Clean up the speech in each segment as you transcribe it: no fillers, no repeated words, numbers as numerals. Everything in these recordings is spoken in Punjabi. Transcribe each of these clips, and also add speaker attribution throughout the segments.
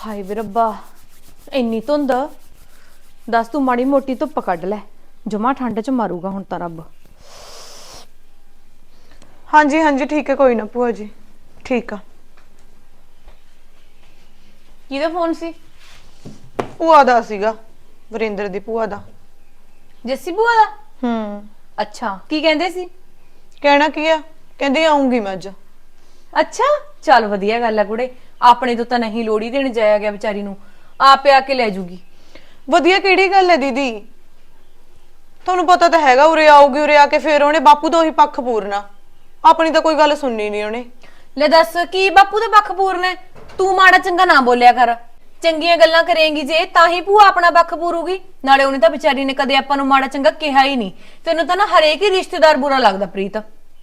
Speaker 1: ਹਾਏ ਵੇ ਰੱਬਾ ਇੰਨੀ ਧੁੰਦ ਦੱਸ ਤੂੰ ਮਾੜੀ ਮੋਟੀ ਧੁੱਪ ਕੱਢ ਲੈ ਜਮਾ ਠੰਡ ਚ ਮਾਰੂਗਾ ਹੁਣ ਤਾਂ ਰੱਬ।
Speaker 2: ਹਾਂਜੀ ਹਾਂਜੀ ਠੀਕ ਹੈ ਕੋਈ ਨਾ ਭੂਆ ਜੀ ਠੀਕ ਆ।
Speaker 1: ਕਿਹਦਾ ਫੋਨ ਸੀ?
Speaker 2: ਭੂਆ ਦਾ ਸੀਗਾ, ਵਰਿੰਦਰ ਦੀ ਭੂਆ ਦਾ।
Speaker 1: ਜੱਸੀ ਭੂਆ ਦਾ? ਅੱਛਾ ਕੀ ਕਹਿੰਦੇ ਸੀ?
Speaker 2: ਕਹਿਣਾ ਕੀ ਆ, ਕਹਿੰਦੀ ਆਉਂਗੀ ਮੈਂ ਅੱਜ।
Speaker 1: ਅੱਛਾ ਚੱਲ ਵਧੀਆ ਗੱਲ ਆ ਕੁੜੇ, ਆਪਣੇ ਤੋਂ ਤਾਂ ਨਹੀਂ ਲੋੜੀ ਦੇਣ ਜਾਇਆ ਗਿਆ ਵਿਚਾਰੀ ਨੂੰ, ਆਪੇ ਆ ਕੇ ਲੈ ਜੂਗੀ।
Speaker 2: ਵਧੀਆ ਕਿਹੜੀ ਗੱਲ ਹੈ ਦੀਦੀ, ਤੁਹਾਨੂੰ ਪਤਾ ਤਾਂ ਹੈਗਾ ਉਰੇ ਆਊਗੀ, ਉਰੇ ਆ ਕੇ ਫੇਰ ਉਹਨੇ ਬਾਪੂ ਦਾ ਉਹੀ ਪੱਖ ਪੂਰਨਾ, ਆਪਣੀ ਤਾਂ ਕੋਈ ਗੱਲ ਸੁਣਨੀ ਨਹੀਂ ਉਹਨੇ।
Speaker 1: ਲੈ ਦੱਸ ਕੀ ਬਾਪੂ ਦਾ ਪੱਖ ਪੂਰਨਾ ਹੈ? ਤੂੰ ਮਾੜਾ ਚੰਗਾ ਨਾ ਬੋਲਿਆ ਕਰ, ਚੰਗੀਆਂ ਗੱਲਾਂ ਕਰੇਂਗੀ ਜੇ ਤਾਂ ਹੀ ਭੂਆ ਆਪਣਾ ਪੱਖ ਪੂਰੂਗੀ। ਨਾਲੇ ਉਹਨੇ ਤਾਂ ਵਿਚਾਰੀ ਨੇ ਕਦੇ ਆਪਾਂ ਨੂੰ ਮਾੜਾ ਚੰਗਾ ਕਿਹਾ ਹੀ ਨਹੀਂ। ਤੈਨੂੰ ਤਾਂ ਨਾ ਹਰੇਕ ਹੀ ਰਿਸ਼ਤੇਦਾਰ ਬੁਰਾ ਲੱਗਦਾ ਪ੍ਰੀਤ।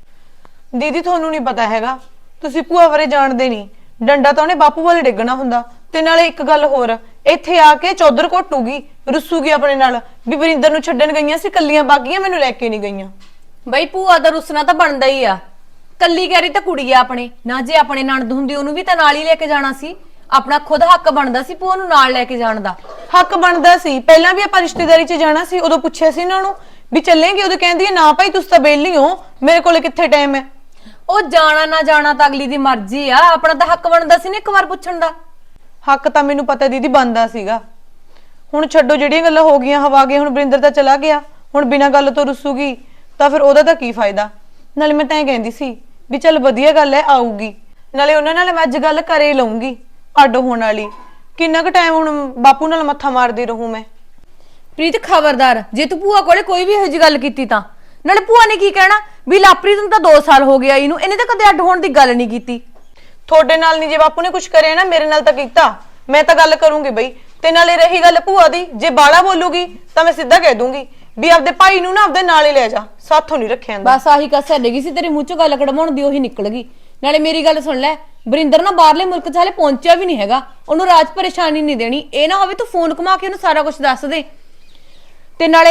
Speaker 2: ਦੀਦੀ ਤੁਹਾਨੂੰ ਨਹੀਂ ਪਤਾ ਹੈਗਾ, ਤੁਸੀਂ ਭੂਆ ਬਾਰੇ ਜਾਣਦੇ ਨਹੀਂ, ਡੰਡਾ ਤਾਂ ਉਹਨੇ ਬਾਪੂ ਵਾਲੇ ਡਿੱਗਣਾ ਹੁੰਦਾ। ਤੇ ਨਾਲੇ ਇੱਕ ਗੱਲ ਹੋਰ, ਇੱਥੇ ਆ ਕੇ ਚੌਧਰ ਘੋਟੂਗੀ, ਰੁੱਸੂਗੀ ਆਪਣੇ ਨਾਲ ਵੀ ਵਰਿੰਦਰ ਨੂੰ ਛੱਡਣ ਗਈਆਂ ਸੀ ਕੱਲੀਆਂ ਬਾਗੀਆਂ, ਮੈਨੂੰ ਲੈ ਕੇ ਨਹੀਂ ਗਈਆਂ।
Speaker 1: ਬਈ ਭੂਆ ਦਾ ਰੁੱਸਣਾ ਤਾਂ ਬਣਦਾ ਹੀ ਆ, ਕੱਲੀ ਕਹਿਰੀ ਤਾਂ ਕੁੜੀ ਆ ਆਪਣੇ ਨਾ, ਜੇ ਆਪਣੇ ਨਣਦ ਹੁੰਦੀ ਉਹਨੂੰ ਵੀ ਤਾਂ ਨਾਲ ਹੀ ਲੈ ਕੇ ਜਾਣਾ ਸੀ। ਆਪਣਾ ਖੁਦ ਹੱਕ ਬਣਦਾ ਸੀ ਭੂਆ ਨੂੰ ਨਾਲ ਲੈ ਕੇ ਜਾਣ ਦਾ।
Speaker 2: ਹੱਕ ਬਣਦਾ ਸੀ, ਪਹਿਲਾਂ ਵੀ ਆਪਾਂ ਰਿਸ਼ਤੇਦਾਰੀ 'ਚ ਜਾਣਾ ਸੀ, ਉਦੋਂ ਪੁੱਛਿਆ ਸੀ ਇਹਨਾਂ ਨੂੰ ਵੀ ਚੱਲੇਂਗੇ, ਉਦੋਂ ਕਹਿੰਦੀ ਹੈ ਨਾ ਭਾਈ ਤੁਸੀਂ ਤਾਂ ਵਿਹਲੀ ਹੋ, ਮੇਰੇ ਕੋਲੇ ਕਿੱਥੇ ਟਾਈਮ ਹੈ।
Speaker 1: ਉਹ ਜਾਣਾ ਨਾ ਜਾਣਾ ਤਾਂ ਅਗਲੀ ਦੀ ਮਰਜ਼ੀ ਆ, ਆਪਣਾ ਤਾਂ ਹੱਕ ਬਣਦਾ ਸੀ ਨਾ ਇੱਕ ਵਾਰ ਪੁੱਛਣ ਦਾ।
Speaker 2: ਹੱਕ ਤਾਂ ਮੈਨੂੰ ਪਤਾ ਦੀਦੀ ਬਣਦਾ ਸੀਗਾ। ਹੁਣ ਛੱਡੋ ਜਿਹੜੀਆਂ ਗੱਲਾਂ ਹੋ ਗਈਆਂ ਹਵਾ ਗਏ, ਹੁਣ ਵਰਿੰਦਰ ਤਾਂ ਚਲਾ ਗਿਆ, ਹੁਣ ਬਿਨਾਂ ਗੱਲ ਤੋਂ ਰੁੱਸੂਗੀ ਤਾਂ ਫਿਰ ਉਹਦਾ ਤਾਂ ਕੀ ਫਾਇਦਾ। ਨਾਲੇ ਮੈਂ ਤਾਂ ਇਹ ਕਹਿੰਦੀ ਸੀ ਵੀ ਚੱਲ ਵਧੀਆ ਗੱਲ ਹੈ ਆਊਗੀ, ਨਾਲੇ ਉਹਨਾਂ ਨਾਲ ਮੈਂ ਅੱਜ ਗੱਲ ਘਰੇ ਲਊਂਗੀ ਅੱਡ ਹੋਣ ਵਾਲੀ। ਕਿੰਨਾ ਕੁ ਟਾਈਮ ਹੁਣ ਬਾਪੂ ਨਾਲ ਮੱਥਾ ਮਾਰਦੀ ਰਹੂੰ ਮੈਂ।
Speaker 1: ਪ੍ਰੀਤ ਖਬਰਦਾਰ ਜੇ ਤੂੰ ਭੂਆ ਕੋਲੇ ਕੋਈ ਵੀ ਇਹੋ ਜਿਹੀ ਗੱਲ ਕੀਤੀ ਤਾਂ, ਨਾਲੇ ਭੂਆ ਨੇ ਕੀ ਕਹਿਣਾ ਵੀ ਲਾਪ੍ਰੀਤ ਨੂੰ ਤਾਂ 2 ਸਾਲ ਹੋ ਗਿਆ ਇਹਨੂੰ, ਇਹਨੇ ਤਾਂ ਕਦੇ ਅੱਡ ਹੋਣ ਦੀ ਗੱਲ ਨਹੀਂ ਕੀਤੀ।
Speaker 2: ਤੁਹਾਡੇ ਨਾਲ ਨਹੀਂ, ਜੇ ਬਾਪੂ ਨੇ ਕੁਝ ਕਰਿਆ ਨਾ ਮੇਰੇ ਨਾਲ ਤਾਂ ਕੀਤਾ, ਮੈਂ ਤਾਂ ਗੱਲ ਕਰੂੰਗੀ ਬਈ। ਤੇ ਨਾਲੇ ਰਹੀ ਗੱਲ ਭੂਆ ਦੀ, ਜੇ ਬਾਲਾ ਬੋਲੂਗੀ ਤਾਂ ਮੈਂ ਸਿੱਧਾ ਕਹਿ ਦੂੰਗੀ ਵੀ ਆਪਦੇ ਭਾਈ ਨੂੰ ਨਾ ਆਪਦੇ ਨਾਲ ਹੀ ਲੈ ਜਾ, ਸਾਥੋਂ ਨਹੀਂ ਰੱਖਿਆ ਜਾਂਦਾ।
Speaker 1: ਬਸ ਆਹੀ ਕਸਰ ਲੱਗੀ ਸੀ ਤੇਰੇ ਮੂੰਹ ਚੋਂ ਗੱਲ ਕਢਵਾਉਣ ਦੀ, ਉਹੀ ਨਿਕਲ ਗਈ। ਨਾਲੇ ਮੇਰੀ ਗੱਲ ਸੁਣ ਲੈ, ਵਰਿੰਦਰ ਨਾ ਬਾਹਰਲੇ ਮੁਲਕ 'ਚ ਹਾਲੇ ਪਹੁੰਚਿਆ ਵੀ ਨਹੀਂ ਹੈਗਾ, ਉਹਨੂੰ ਰਾਜ ਪਰੇਸ਼ਾਨੀ ਨਹੀਂ ਦੇਣੀ। ਇਹ ਨਾ ਹੋਵੇ ਤੂੰ ਫੋਨ ਘੁਮਾ ਕੇ ਉਹਨੂੰ ਸਾਰਾ ਕੁਝ ਦੱਸ ਦੇ। ਤੇ ਨਾਲੇ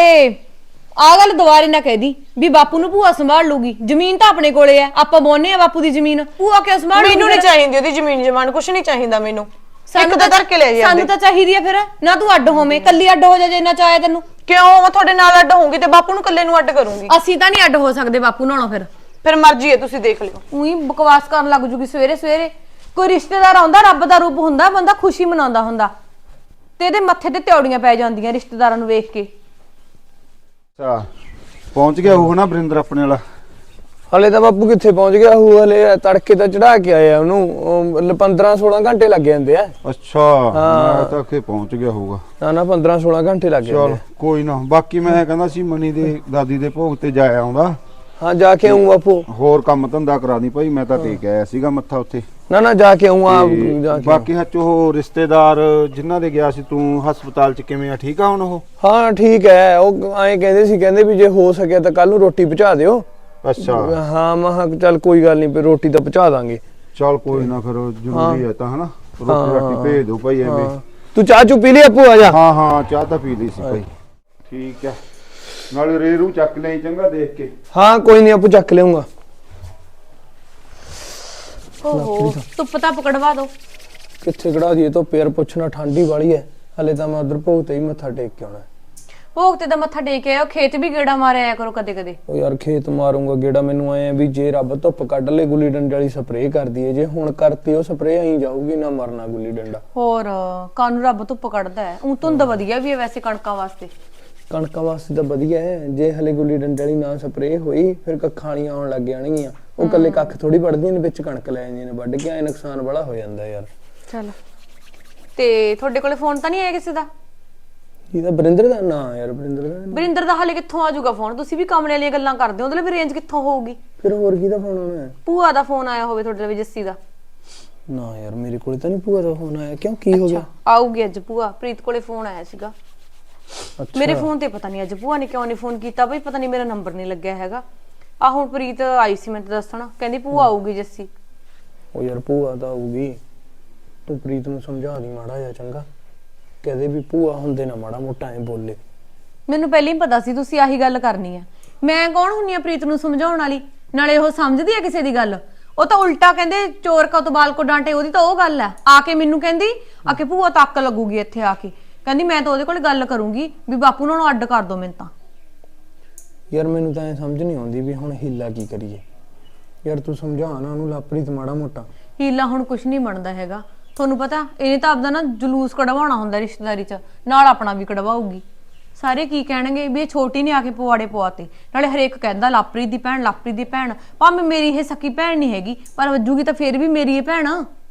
Speaker 1: ਆ ਗੱਲ ਦੁਬਾਰੇ ਨਾ ਕਹਿਦੀ ਵੀ ਬਾਪੂ ਨੂੰ ਭੂਆ ਸੰਭਾਲ ਲੂਗੀ, ਜ਼ਮੀਨ ਤਾਂ ਆਪਣੇ ਕੋਲੇ ਆ, ਆਪਾਂ ਬੋਨੇ ਆ ਬਾਪੂ ਦੀ ਜ਼ਮੀਨ, ਭੂਆ ਕਿਉਂ ਸੰਭਾਲ? ਮੈਨੂੰ
Speaker 2: ਨਹੀਂ ਚਾਹੀਦੀ ਉਹਦੀ ਜ਼ਮੀਨ ਜਮਾਨ, ਕੁਝ ਨਹੀਂ ਚਾਹੀਦਾ ਮੈਨੂੰ। ਸਾਨੂੰ ਤਾਂ ਧਰ ਕੇ ਲੈ ਜਾਂਦੇ,
Speaker 1: ਸਾਨੂੰ ਤਾਂ ਚਾਹੀਦੀ ਆ। ਫਿਰ ਨਾ ਤੂੰ ਅੱਡ ਹੋਵੇਂ, ਕੱਲੀ ਅੱਡ ਹੋ ਜਾ ਜੇ ਇੰਨਾ ਚਾਹਿਆ ਤੈਨੂੰ।
Speaker 2: ਕਿਉਂ ਮੈਂ ਤੁਹਾਡੇ ਨਾਲ ਅੱਡ ਹੋਊਂਗੀ ਤੇ ਬਾਪੂ ਨੂੰ ਇਕੱਲੇ ਨੂੰ ਅੱਡ ਕਰੂੰਗੀ।
Speaker 1: ਅਸੀਂ ਤਾਂ ਨਹੀਂ ਅੱਡ ਹੋ ਸਕਦੇ ਬਾਪੂ ਨਾਲੋਂ।
Speaker 2: ਫਿਰ ਮਰਜ਼ੀ ਹੈ, ਤੁਸੀਂ ਦੇਖ ਲਿਓ।
Speaker 1: ਉਹੀ ਬਕਵਾਸ ਕਰਨ ਲੱਗ ਜੂਗੀ ਸਵੇਰੇ ਸਵੇਰੇ। ਕੋਈ ਰਿਸ਼ਤੇਦਾਰ ਆਉਂਦਾ ਰੱਬ ਦਾ ਰੂਪ ਹੁੰਦਾ, ਬੰਦਾ ਖੁਸ਼ੀ ਮਨਾਉਂਦਾ ਹੁੰਦਾ, ਤੇ ਇਹਦੇ ਮੱਥੇ ਤੇ ਤਿਉੜੀਆਂ ਪੈ ਜਾਂਦੀਆਂ ਰਿਸ਼ਤੇਦਾਰਾਂ ਨੂੰ ਵੇਖ ਕੇ।
Speaker 3: ਅੱਛਾ ਪਹੁੰਚ ਗਿਆ ਉਹ ਨਾ ਵਰਿੰਦਰ ਆਪਣੇ ਵਾਲਾ?
Speaker 4: ਹਲੇ ਤਾਂ ਬਾਪੂ ਕਿੱਥੇ ਪਹੁੰਚ ਗਿਆ ਉਹ, ਹਲੇ ਤੜਕੇ ਤਾਂ ਚੜਾ ਕੇ ਆਇਆ ਉਹਨੂੰ, 15-16 ਘੰਟੇ ਲੱਗ ਜਾਂਦੇ ਆ।
Speaker 3: ਅੱਛਾ ਮੈਂ ਤਾਂ ਕਿ ਪਹੁੰਚ ਗਿਆ ਹੋਊਗਾ।
Speaker 4: ਨਾ 15-16 ਘੰਟੇ ਲੱਗ ਜਾਂਦੇ।
Speaker 3: ਚਲ ਕੋਈ ਨਾ, ਬਾਕੀ ਮੈਂ ਕਹਿੰਦਾ ਸੀ ਮਨੀ ਦੇ ਦਾਦੀ ਦੇ ਭੋਗ ਤੇ ਜਾਇਆ ਆਉਂਦਾ।
Speaker 4: ਹਾਂ ਜਾ ਕੇ ਆਉਂ ਬਾਪੂ,
Speaker 3: ਹੋਰ ਕੰਮ ਧੰਦਾ ਕਰਾ ਦੀ ਭਾਈ, ਮੈਂ ਤਾਂ ਟੇਕ ਆਇਆ ਸੀਗਾ ਮੱਥਾ ਉੱਥੇ।
Speaker 4: ਨਾ ਜਾ ਕੇ ਆਉਂ ਆ।
Speaker 3: ਬਾਕੀ ਹੱਚ ਉਹ ਰਿਸ਼ਤੇਦਾਰ ਜਿਨ੍ਹਾਂ ਦੇ ਗਿਆ ਸੀ ਤੂੰ ਹਸਪਤਾਲ ਚ, ਕਿਵੇਂ ਆ? ਠੀਕ ਆ ਹੁਣ ਉਹ?
Speaker 4: ਹਾਂ ਠੀਕ ਹੈ, ਉਹ ਐਂ ਕਹਿੰਦੇ ਸੀ, ਕਹਿੰਦੇ ਵੀ ਜੇ ਹੋ ਸਕਿਆ ਤਾਂ ਕੱਲ ਨੂੰ ਰੋਟੀ ਪਹੁੰਚਾ ਦਿਓ।
Speaker 3: ਅੱਛਾ
Speaker 4: ਹਾਂ ਮੈਂ ਕਿਹਾ ਚੱਲ ਕੋਈ ਗੱਲ ਨਹੀਂ, ਰੋਟੀ ਤਾਂ ਪਹੁੰਚਾ ਦਾਂਗੇ।
Speaker 3: ਚਲ ਕੋਈ ਨਾ, ਫਿਰ ਜ਼ਰੂਰੀ ਹੈ ਤਾਂ ਹਨਾ, ਰੋਟੀ ਰਾਟੀ ਭੇਜ ਦਿਓ ਭਾਈ ਐਵੇਂ।
Speaker 4: ਤੂੰ ਚਾਹ ਚੁ ਪੀ ਲਈ ਆਪੂ? ਆ ਜਾ।
Speaker 3: ਹਾਂ ਚਾਹ ਤਾਂ ਪੀ ਲਈ ਸੀ ਭਾਈ। ਠੀਕ ਹੈ, ਨਾਲੇ ਰੇਰੂ ਚੱਕ ਲਈ ਚੰਗਾ ਦੇਖ ਕੇ।
Speaker 4: ਹਾਂ ਕੋਈ ਨਹੀਂ ਆਪੂ ਚੱਕ ਲਿਆਉਂਗਾ।
Speaker 1: ਓਹੋ ਧੁੱਪ ਤਾਂ ਪਕੜਵਾ ਦੋ।
Speaker 4: ਕਿੱਥੇ ਕਢਾ ਦਈਏ ਧੁੱਪ ਯਾਰ, ਪੁੱਛਣਾ ਠੰਡੀ ਵਾਲੀ ਹੈ। ਹਲੇ ਤਾਂ ਮੈਂ ਉਧਰ ਭੋਗ ਤੇ ਹੀ ਮੱਥਾ ਟੇਕ ਕੇ ਆਉਣਾ।
Speaker 1: ਭੋਗ ਤੇ ਤਾਂ ਮੱਥਾ ਟੇਕ ਆਇਓ, ਖੇਤ ਵੀ ਗੇੜਾ ਮਾਰਿਆ ਆਇਆ ਕਰੋ ਕਦੇ ਕਦੇ।
Speaker 4: ਉਹ ਯਾਰ ਖੇਤ ਮਾਰੂੰਗਾ ਗੇੜਾ, ਮੈਨੂੰ ਆਏ ਵੀ ਜੇ ਰੱਬ ਧੁੱਪ ਕੱਢ ਲੇ ਗੁੱਲੀ ਡੰਡੇ ਵਾਲੀ ਸਪਰੇਅ ਕਰਦੀ ਏ, ਜੇ ਹੁਣ ਕਰਤੀ ਉਹ ਸਪਰੇਅ ਆਈ ਜਾਊਗੀ, ਨਾ ਮਰਨਾ ਗੁੱਲੀ ਡੰਡਾ।
Speaker 1: ਹੋਰ ਕਾਨੂੰ ਰੱਬ ਧੁੱਪ ਕੱਢਦਾ ਹੈ, ਉਹ ਧੁੰਦ ਵਧੀਆ ਵੀ ਹੈ ਵੈਸੇ ਕਣਕਾਂ ਵਾਸਤੇ।
Speaker 4: ਕਣਕਾਂ ਵਾਸਤੇ ਤਾਂ ਵਧੀਆ ਹੈ, ਜੇ ਹਲੇ ਗੁੱਲੀ ਡੰਡੇ ਵਾਲੀ ਨਾ ਸਪਰੇਅ ਹੋਈ ਫਿਰ ਕੱਖਾਂ ਵਾਲੀਆਂ ਆਉਣ ਲੱਗ ਜਾਣਗੀਆਂ। ਉਹ ਕੱਲੇ ਕੱਖ ਥੋੜੀ ਵੱਢਦੀਆਂ ਨੇ, ਵਿੱਚ ਕਣਕ ਲੈ ਜਾਂਦੀਆਂ ਨੇ ਵੱਢ ਕੇ, ਐ ਨੁਕਸਾਨ ਬੜਾ ਹੋ ਜਾਂਦਾ ਯਾਰ।
Speaker 1: ਚਲ ਤੇ ਤੁਹਾਡੇ ਕੋਲੇ ਫੋਨ ਤਾਂ ਨਹੀਂ ਆਇਆ ਕਿਸੇ ਦਾ?
Speaker 4: ਇਹਦਾ ਵਰਿੰਦਰ ਦਾ? ਨਾ ਯਾਰ
Speaker 1: ਵਰਿੰਦਰ ਦਾ ਹਾਲੇ ਕਿੱਥੋਂ ਆ ਜਾਊਗਾ ਫੋਨ? ਤੁਸੀਂ ਵੀ ਕਮਲੇ ਵਾਲੀਆਂ ਗੱਲਾਂ ਕਰਦੇ ਹੋ, ਉਹਦੇ ਲਈ ਰੇਂਜ ਕਿੱਥੋਂ ਹੋਊਗੀ?
Speaker 4: ਫਿਰ ਹੋਰ ਕਿਹਦਾ ਫੋਨ ਆਉਣਾ?
Speaker 1: ਭੂਆ ਦਾ ਫੋਨ ਆਇਆ ਹੋਵੇ ਤੁਹਾਡੇ ਲਈ, ਜੱਸੀ ਦਾ?
Speaker 4: ਨਾ ਯਾਰ ਮੇਰੇ ਕੋਲੇ ਤਾਂ ਨਹੀਂ ਭੂਆ ਦਾ ਫੋਨ ਆਇਆ। ਕਿਉਂ ਕੀ ਹੋ ਗਿਆ?
Speaker 1: ਆਊਗੀ ਅੱਜ ਭੂਆ, ਪ੍ਰੀਤ ਕੋਲੇ ਫੋਨ ਆਇਆ ਸੀਗਾ ਮੇਰੇ ਫੋਨ ਤੇ। ਪਤਾ ਨਹੀਂ ਅੱਜ ਭੂਆ ਨੇ ਕਿਉਂ ਨਹੀਂ ਫੋਨ ਕੀਤਾ ਬਈ, ਪਤਾ ਨਹੀਂ ਮੇਰਾ ਨੰਬਰ ਨਹੀਂ ਲੱਗਿਆ ਹੈਗਾ। ਆ ਹੁਣ ਪ੍ਰੀਤ ਆਈ ਸੀ ਮੈਨੂੰ ਦੱਸਣਾ, ਕਹਿੰਦੀ ਭੂਆ ਆਊਗੀ ਜੱਸੀ।
Speaker 4: ਉਹ ਯਾਰ ਭੂਆ ਤਾਂ ਆਊਗੀ, ਤੂੰ ਪ੍ਰੀਤ ਨੂੰ ਸਮਝਾ ਦੀ ਮਾੜਾ ਜਿਹਾ ਚੰਗਾ, ਕਹਦੇ ਵੀ ਭੂਆ ਹੁੰਦੇ ਨਾ ਮਾੜਾ ਮੋਟਾ ਐ ਬੋਲੇ।
Speaker 1: ਮੈਨੂੰ ਪਹਿਲਾਂ ਹੀ ਪਤਾ ਸੀ ਤੁਸੀਂ ਆਹੀ ਗੱਲ ਕਰਨੀ ਆ। ਮੈਂ ਕੌਣ ਹੁੰਨੀ ਆ ਪ੍ਰੀਤ ਨੂੰ ਸਮਝਾਉਣ ਵਾਲੀ? ਨਾਲੇ ਉਹ ਸਮਝਦੀ ਆ ਕਿਸੇ ਦੀ ਗੱਲ? ਉਹ ਤਾਂ ਉਲਟਾ ਕਹਿੰਦੇ ਚੋਰ ਕਾ ਉਤਬਾਲ ਕੋ ਡਾਂਟੇ, ਉਹਦੀ ਤਾਂ ਉਹ ਗੱਲ ਹੈ। ਆ ਕੇ ਮੈਨੂੰ ਕਹਿੰਦੀ ਆ ਕੇ ਭੂਆ ਤੱਕ ਲੱਗੂਗੀ ਇੱਥੇ ਆ ਕੇ, ਕਹਿੰਦੀ ਮੈਂ ਤਾਂ ਉਹਦੇ ਕੋਲ ਗੱਲ ਕਰੂੰਗੀ ਵੀ ਬਾਪੂ ਉਹਨਾਂ ਨੂੰ ਅੱਡ ਕਰ ਦੋ। ਮੈਨੂੰ ਤਾਂ
Speaker 4: ਯਾਰ ਮੈਨੂੰ ਤਾਂ ਇਹ ਸਮਝ ਨਹੀਂ ਆਉਂਦੀ ਵੀ ਹੁਣ ਹੀਲਾ ਕੀ ਕਰੀਏ। ਯਾਰ ਤੂੰ ਸਮਝਾ ਨਾ ਉਹਨੂੰ ਲਾਪਰੀਤ ਮਾੜਾ ਮੋਟਾ।
Speaker 1: ਹੀਲਾ ਹੁਣ ਕੁਝ ਨਹੀਂ ਬਣਦਾ ਹੈਗਾ, ਤੁਹਾਨੂੰ ਪਤਾ ਇਹਨੇ ਤਾਂ ਆਪਦਾ ਨਾ ਜਲੂਸ ਕਢਵਾਉਣਾ ਹੁੰਦਾ ਰਿਸ਼ਤੇਦਾਰੀ 'ਚ, ਨਾਲ ਆਪਣਾ ਵੀ ਕਢਵਾਉਗੀ। ਸਾਰੇ ਕੀ ਕਹਿਣਗੇ ਵੀ ਇਹ ਛੋਟੀ ਨੇ ਆ ਕੇ ਪਵਾੜੇ ਪਵਾਤੇ। ਨਾਲੇ ਹਰੇਕ ਕਹਿੰਦਾ ਲਾਪਰੀਤ ਦੀ ਭੈਣ, ਲਾਪਰੀਤ ਦੀ ਭੈਣ। ਭਾਵੇਂ ਮੇਰੀ ਇਹ ਸਕੀ ਭੈਣ ਨਹੀਂ ਹੈਗੀ, ਪਰ ਵੱਜੂਗੀ ਤਾਂ ਫੇਰ ਵੀ ਮੇਰੀ ਇਹ ਭੈਣ।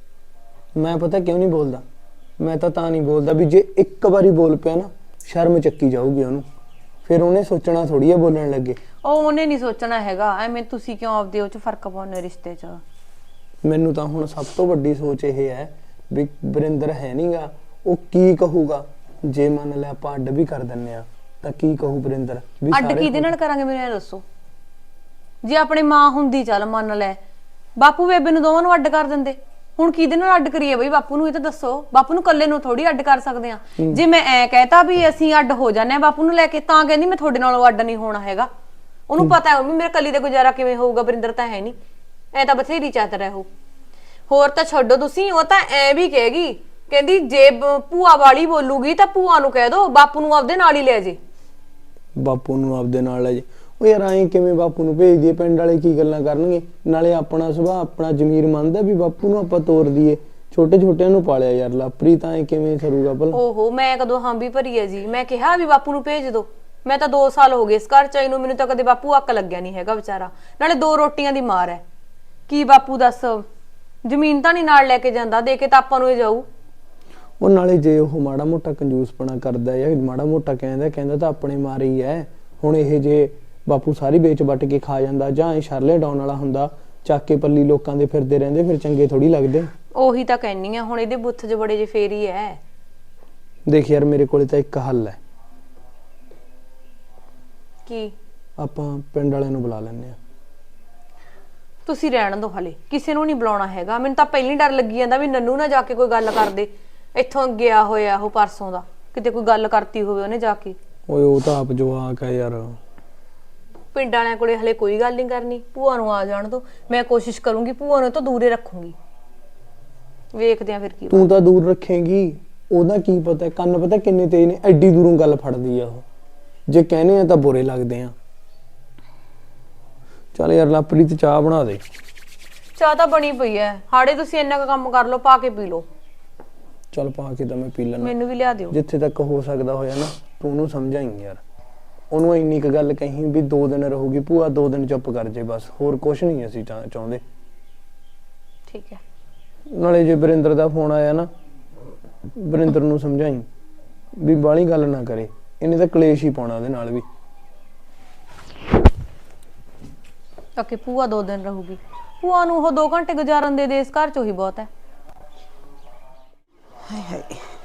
Speaker 4: ਮੈਂ ਪਤਾ ਕਿਉਂ ਨਹੀਂ ਬੋਲਦਾ, ਮੈਂ ਤਾਂ ਨਹੀਂ ਬੋਲਦਾ ਵੀ ਜੇ ਇੱਕ ਵਾਰੀ ਬੋਲ ਪਿਆ ਨਾ ਸ਼ਰਮ ਚੱਕੀ ਜਾਊਗੀ ਉਹਨੂੰ, ਫਿਰ ਉਹਨੇ ਸੋਚਣਾ ਥੋੜੀ ਆ ਬੋਲਣ ਲੱਗੇ।
Speaker 1: ਉਹਨੇ ਨਹੀਂ ਸੋਚਣਾ ਹੈਗਾ, ਐਵੇਂ ਤੁਸੀਂ ਕਿਉਂ ਆਪਦੇ ਉਹ 'ਚ ਫਰਕ ਪਾਉਂਦੇ ਰਿਸ਼ਤੇ 'ਚ।
Speaker 4: ਮੈਨੂੰ ਤਾਂ ਹੁਣ ਸਭ ਤੋਂ ਵੱਡੀ ਸੋਚ ਇਹ ਹੈ ਵੀ ਵਰਿੰਦਰ ਹੈ ਨਹੀਂਗਾ, ਉਹ ਕੀ ਕਹੂਗਾ ਜੇ ਮੰਨ ਲਿਆ ਆਪਾਂ ਅੱਡ ਵੀ ਕਰ ਦਿੰਨੇ ਆ ਤਾਂ ਕੀ ਕਹੂ ਵਰਿੰਦਰ ਵੀ
Speaker 1: ਅੱਡ ਕਿਹਦੇ ਨਾਲ ਕਰਾਂਗੇ ਮੈਨੂੰ ਇਹ ਦੱਸੋ। ਜੇ ਆਪਣੀ ਮਾਂ ਹੁੰਦੀ ਚੱਲ ਮੰਨ ਲੈ, ਬਾਪੂ ਬੇਬੇ ਨੂੰ ਦੋਵਾਂ ਨੂੰ ਅੱਡ ਕਰ ਦਿੰਦੇ। ਹੁਣ ਕਿਹਦੇ ਨਾਲ ਅੱਡ ਕਰੀਏ ਬਈ ਬਾਪੂ ਨੂੰ, ਇਹ ਤਾਂ ਦੱਸੋ। ਬਾਪੂ ਨੂੰ ਇਕੱਲੇ ਨੂੰ ਥੋੜੀ ਅੱਡ ਕਰ ਸਕਦੇ ਆ। ਜੇ ਮੈਂ ਐ ਕਹਿਤਾ ਵੀ ਅਸੀਂ ਅੱਡ ਹੋ ਜਾਂਦੇ ਆ ਬਾਪੂ ਨੂੰ ਲੈ ਕੇ, ਤਾਂ ਕਹਿੰਦੀ ਮੈਂ ਤੁਹਾਡੇ ਨਾਲੋਂ ਅੱਡ ਨਹੀਂ ਹੋਣਾ ਹੈਗਾ। ਉਹਨੂੰ ਪਤਾ ਹੈ ਵੀ ਮੇਰੇ ਕੱਲੀ ਦਾ ਗੁਜ਼ਾਰਾ ਕਿਵੇਂ ਹੋਊਗਾ, ਵਰਿੰਦਰ ਤਾਂ ਹੈ ਨਹੀਂ, ਐ ਤਾਂ ਬਥੇਰੀ ਚਾਤਰ ਹੈ ਉਹ। ਹੋਰ ਤਾਂ ਛੱਡੋ ਤੁਸੀਂ, ਉਹ ਤਾਂ ਐ ਵੀ ਕਹੇਗੀ, ਕਹਿੰਦੀ ਜੇ ਭੂਆ ਵਾਲੀ ਬੋਲੂਗੀ ਤਾਂ ਭੂਆ ਨੂੰ ਕਹਿ ਦੋ ਬਾਪੂ ਨੂੰ ਆਪਦੇ ਨਾਲ ਹੀ ਲੈ ਜੇ।
Speaker 4: ਬਾਪੂ ਨੂੰ ਆਪਦੇ ਨਾਲ ਲੈ ਜੇ। ਉਹ ਯਾਰ ਐਂ ਕਿਵੇਂ ਬਾਪੂ ਨੂੰ ਭੇਜ ਦਈਏ, ਪਿੰਡ ਵਾਲੇ ਕੀ ਗੱਲਾਂ ਕਰਨਗੇ। ਨਾਲੇ ਆਪਣਾ ਸੁਭਾਅ ਆਪਣਾ ਜ਼ਮੀਰ ਮੰਨਦਾ ਵੀ ਬਾਪੂ ਨੂੰ ਆਪਾਂ ਤੋਰ ਦਈਏ, ਛੋਟੇ ਛੋਟਿਆਂ ਨੂੰ ਪਾਲਿਆ ਯਾਰ ਲਾਪਰੀ, ਤਾਂ ਐ ਕਿਵੇਂ ਸਰੂਗਾ ਭਲਾ।
Speaker 1: ਓਹੋ ਮੈਂ ਕਦੋਂ ਹਾਂ ਵੀ ਭਰੀ ਹੈ ਜੀ, ਮੈਂ ਕਿਹਾ ਵੀ ਬਾਪੂ ਨੂੰ ਭੇਜ ਦੋ। ਮੈਂ ਤਾਂ 2 ਸਾਲ ਹੋ ਗਏ ਇਸ ਘਰ ਚ ਆਈ ਨੂੰ, ਮੈਨੂੰ ਤਾਂ ਕਦੇ ਬਾਪੂ ਅੱਕ ਲੱਗਿਆ ਨਹੀਂ ਹੈਗਾ ਵਿਚਾਰਾ। ਨਾਲੇ 2 ਰੋਟੀਆਂ ਦੀ ਮਾਰ ਹੈ, ਕੀ ਬਾਪੂ ਦੱਸ ਜ਼ਮੀਨ ਤਾਂ ਨਹੀਂ ਨਾਲ ਲੈ ਕੇ ਜਾਂਦਾ, ਦੇ ਕੇ ਤਾਂ ਆਪਾਂ ਨੂੰ ਇਹ ਜਾਊ।
Speaker 4: ਉਹ ਨਾਲੇ ਜੇ ਉਹ ਮਾੜਾ ਮੋਟਾ ਕੰਜੂਸਪਣਾ ਕਰਦਾ ਜਾਂ ਮਾੜਾ ਮੋਟਾ ਕਹਿੰਦਾ ਤਾਂ ਆਪਣੇ ਮਾਰੇ ਹੀ ਹੈ। ਹੁਣ ਇਹ ਜੇ ਬਾਪੂ ਸਾਰੀ ਵੇਚ ਵੱਟ ਕੇ ਖਾ ਜਾਂਦਾ ਜਾਂ ਇਹ ਸ਼ਰਲੇ ਡਾਉਣ ਵਾਲਾ ਹੁੰਦਾ, ਚੱਕ ਕੇ ਪੱਲੀ ਲੋਕਾਂ ਦੇ ਫਿਰਦੇ ਰਹਿੰਦੇ, ਫਿਰ ਚੰਗੇ ਥੋੜੀ ਲੱਗਦੇ।
Speaker 1: ਉਹੀ ਤਾਂ ਕਹਿਨੀ ਆ, ਹੁਣ ਇਹਦੇ ਬੁੱਥ 'ਚ ਬੜੇ ਜੇ ਫੇਰ ਹੀ ਐ।
Speaker 4: ਦੇਖ ਯਾਰ ਮੇਰੇ ਕੋਲੇ ਤਾਂ ਇੱਕ ਹੱਲ ਹੈ।
Speaker 1: ਕੀ?
Speaker 4: ਆਪਾਂ ਪਿੰਡ ਵਾਲਿਆਂ ਨੂੰ ਬੁਲਾ ਲੈਂਦੇ ਆ।
Speaker 1: ਤੁਸੀਂ ਰਹਿਣ ਦਿਓ, ਹਲੇ ਕਿਸੇ ਨੂੰ ਨਹੀਂ ਬੁਲਾਉਣਾ ਹੈਗਾ। ਮੈਨੂੰ ਤਾਂ ਪਹਿਲੀ ਡਰ ਲੱਗੀ ਜਾਂਦਾ ਵੀ ਨੰਨੂ ਨਾ ਜਾ ਕੇ ਕੋਈ ਗੱਲ ਕਰਦੇ। ਇੱਥੋਂ ਗਿਆ ਹੋਇਆ ਉਹ ਪਰਸੋਂ ਦਾ, ਕਿਤੇ ਕੋਈ ਗੱਲ ਕਰਤੀ ਹੋਵੇ ਉਹਨੇ ਜਾ ਕੇ।
Speaker 4: ਓਏ ਉਹ ਤਾਂ ਆਪ ਜਵਾਕ ਹੈ ਯਾਰ।
Speaker 1: ਪਿੰਡ ਵਾਲਿਆਂ ਕੋਲੇ ਹਲੇ ਕੋਈ ਗੱਲ ਨਹੀਂ ਕਰਨੀ, ਭੂਆ ਨੂੰ ਆ ਜਾਣ ਦੋ। ਮੈਂ ਕੋਸ਼ਿਸ਼ ਕਰੂੰਗੀ ਭੂਆ ਨੂੰ ਤਾਂ ਦੂਰੇ ਰੱਖੂੰਗੀ, ਵੇਖਦੇ ਆ ਫਿਰ ਕੀ।
Speaker 4: ਤੂੰ ਤਾਂ ਦੂਰ ਰੱਖੇਂਗੀ, ਉਹਦਾ ਕੀ ਪਤਾ, ਕੰਨ ਪਤਾ ਕਿੰਨੇ ਤੇਜ਼ ਨੇ, ਐਡੀ ਦੂਰੋਂ ਗੱਲ ਫੜਦੀ ਆ ਉਹ। ਜੇ ਕਹਿੰਦੇ ਆ ਤਾਂ ਬੁਰੇ ਲੱਗਦੇ ਆ। ਚੱਲ ਯਾਰ ਲਾਪਰੀਤ ਚਾਹ ਬਣਾ ਦੇ।
Speaker 1: ਚਾਹ ਤਾਂ ਬਣੀ ਪਈ ਐ, ਹਾੜੇ ਤੁਸੀਂ ਇੰਨਾ ਕੁ ਕੰਮ ਕਰ ਲਓ, ਪਾ ਕੇ ਪੀ ਲਓ।
Speaker 4: ਚੱਲ ਪਾ ਕੇ ਤਾਂ ਮੈਂ ਪੀ ਲੈਣਾ।
Speaker 1: ਮੈਨੂੰ ਵੀ ਲਿਆ ਦਿਓ।
Speaker 4: ਜਿੱਥੇ ਤੱਕ ਹੋ ਸਕਦਾ ਹੋਇਆ ਨਾ ਤੂੰ ਉਹਨੂੰ ਸਮਝਾਈ ਯਾਰ। ਉਹਨੂੰ ਇੰਨੀ ਕੁ ਗੱਲ ਕਹੀ ਵੀ 2 ਦਿਨ ਰਹੂਗੀ ਭੂਆ, 2 ਦਿਨ ਚੁੱਪ ਕਰ ਜੇ ਬਸ, ਹੋਰ ਕੁਝ ਨਹੀਂ ਅਸੀਂ ਚਾਹੁੰਦੇ।
Speaker 1: ਠੀਕ ਹੈ।
Speaker 4: ਨਾਲੇ ਜੇ ਵਰਿੰਦਰ ਦਾ ਫੋਨ ਆਇਆ ਨਾ, ਵਰਿੰਦਰ ਨੂੰ ਸਮਝਾਈ ਵੀ ਬਾਹਲੀ ਗੱਲ ਨਾ ਕਰੇ, ਇਹਨੇ ਤਾਂ ਕਲੇਸ਼ ਹੀ ਪਾਉਣਾ ਉਹਦੇ ਨਾਲ ਵੀ।
Speaker 1: ਤਾਂ ਕਿ ਭੂਆ 2 ਦਿਨ ਰਹੂਗੀ, ਭੂਆ ਨੂੰ ਉਹ 2 ਘੰਟੇ ਗੁਜ਼ਾਰਨ ਦੇ ਇਸ ਘਰ 'ਚ ਹੀ ਬਹੁਤ ਹੈ।
Speaker 5: ਹਾਏ ਹਾਏ,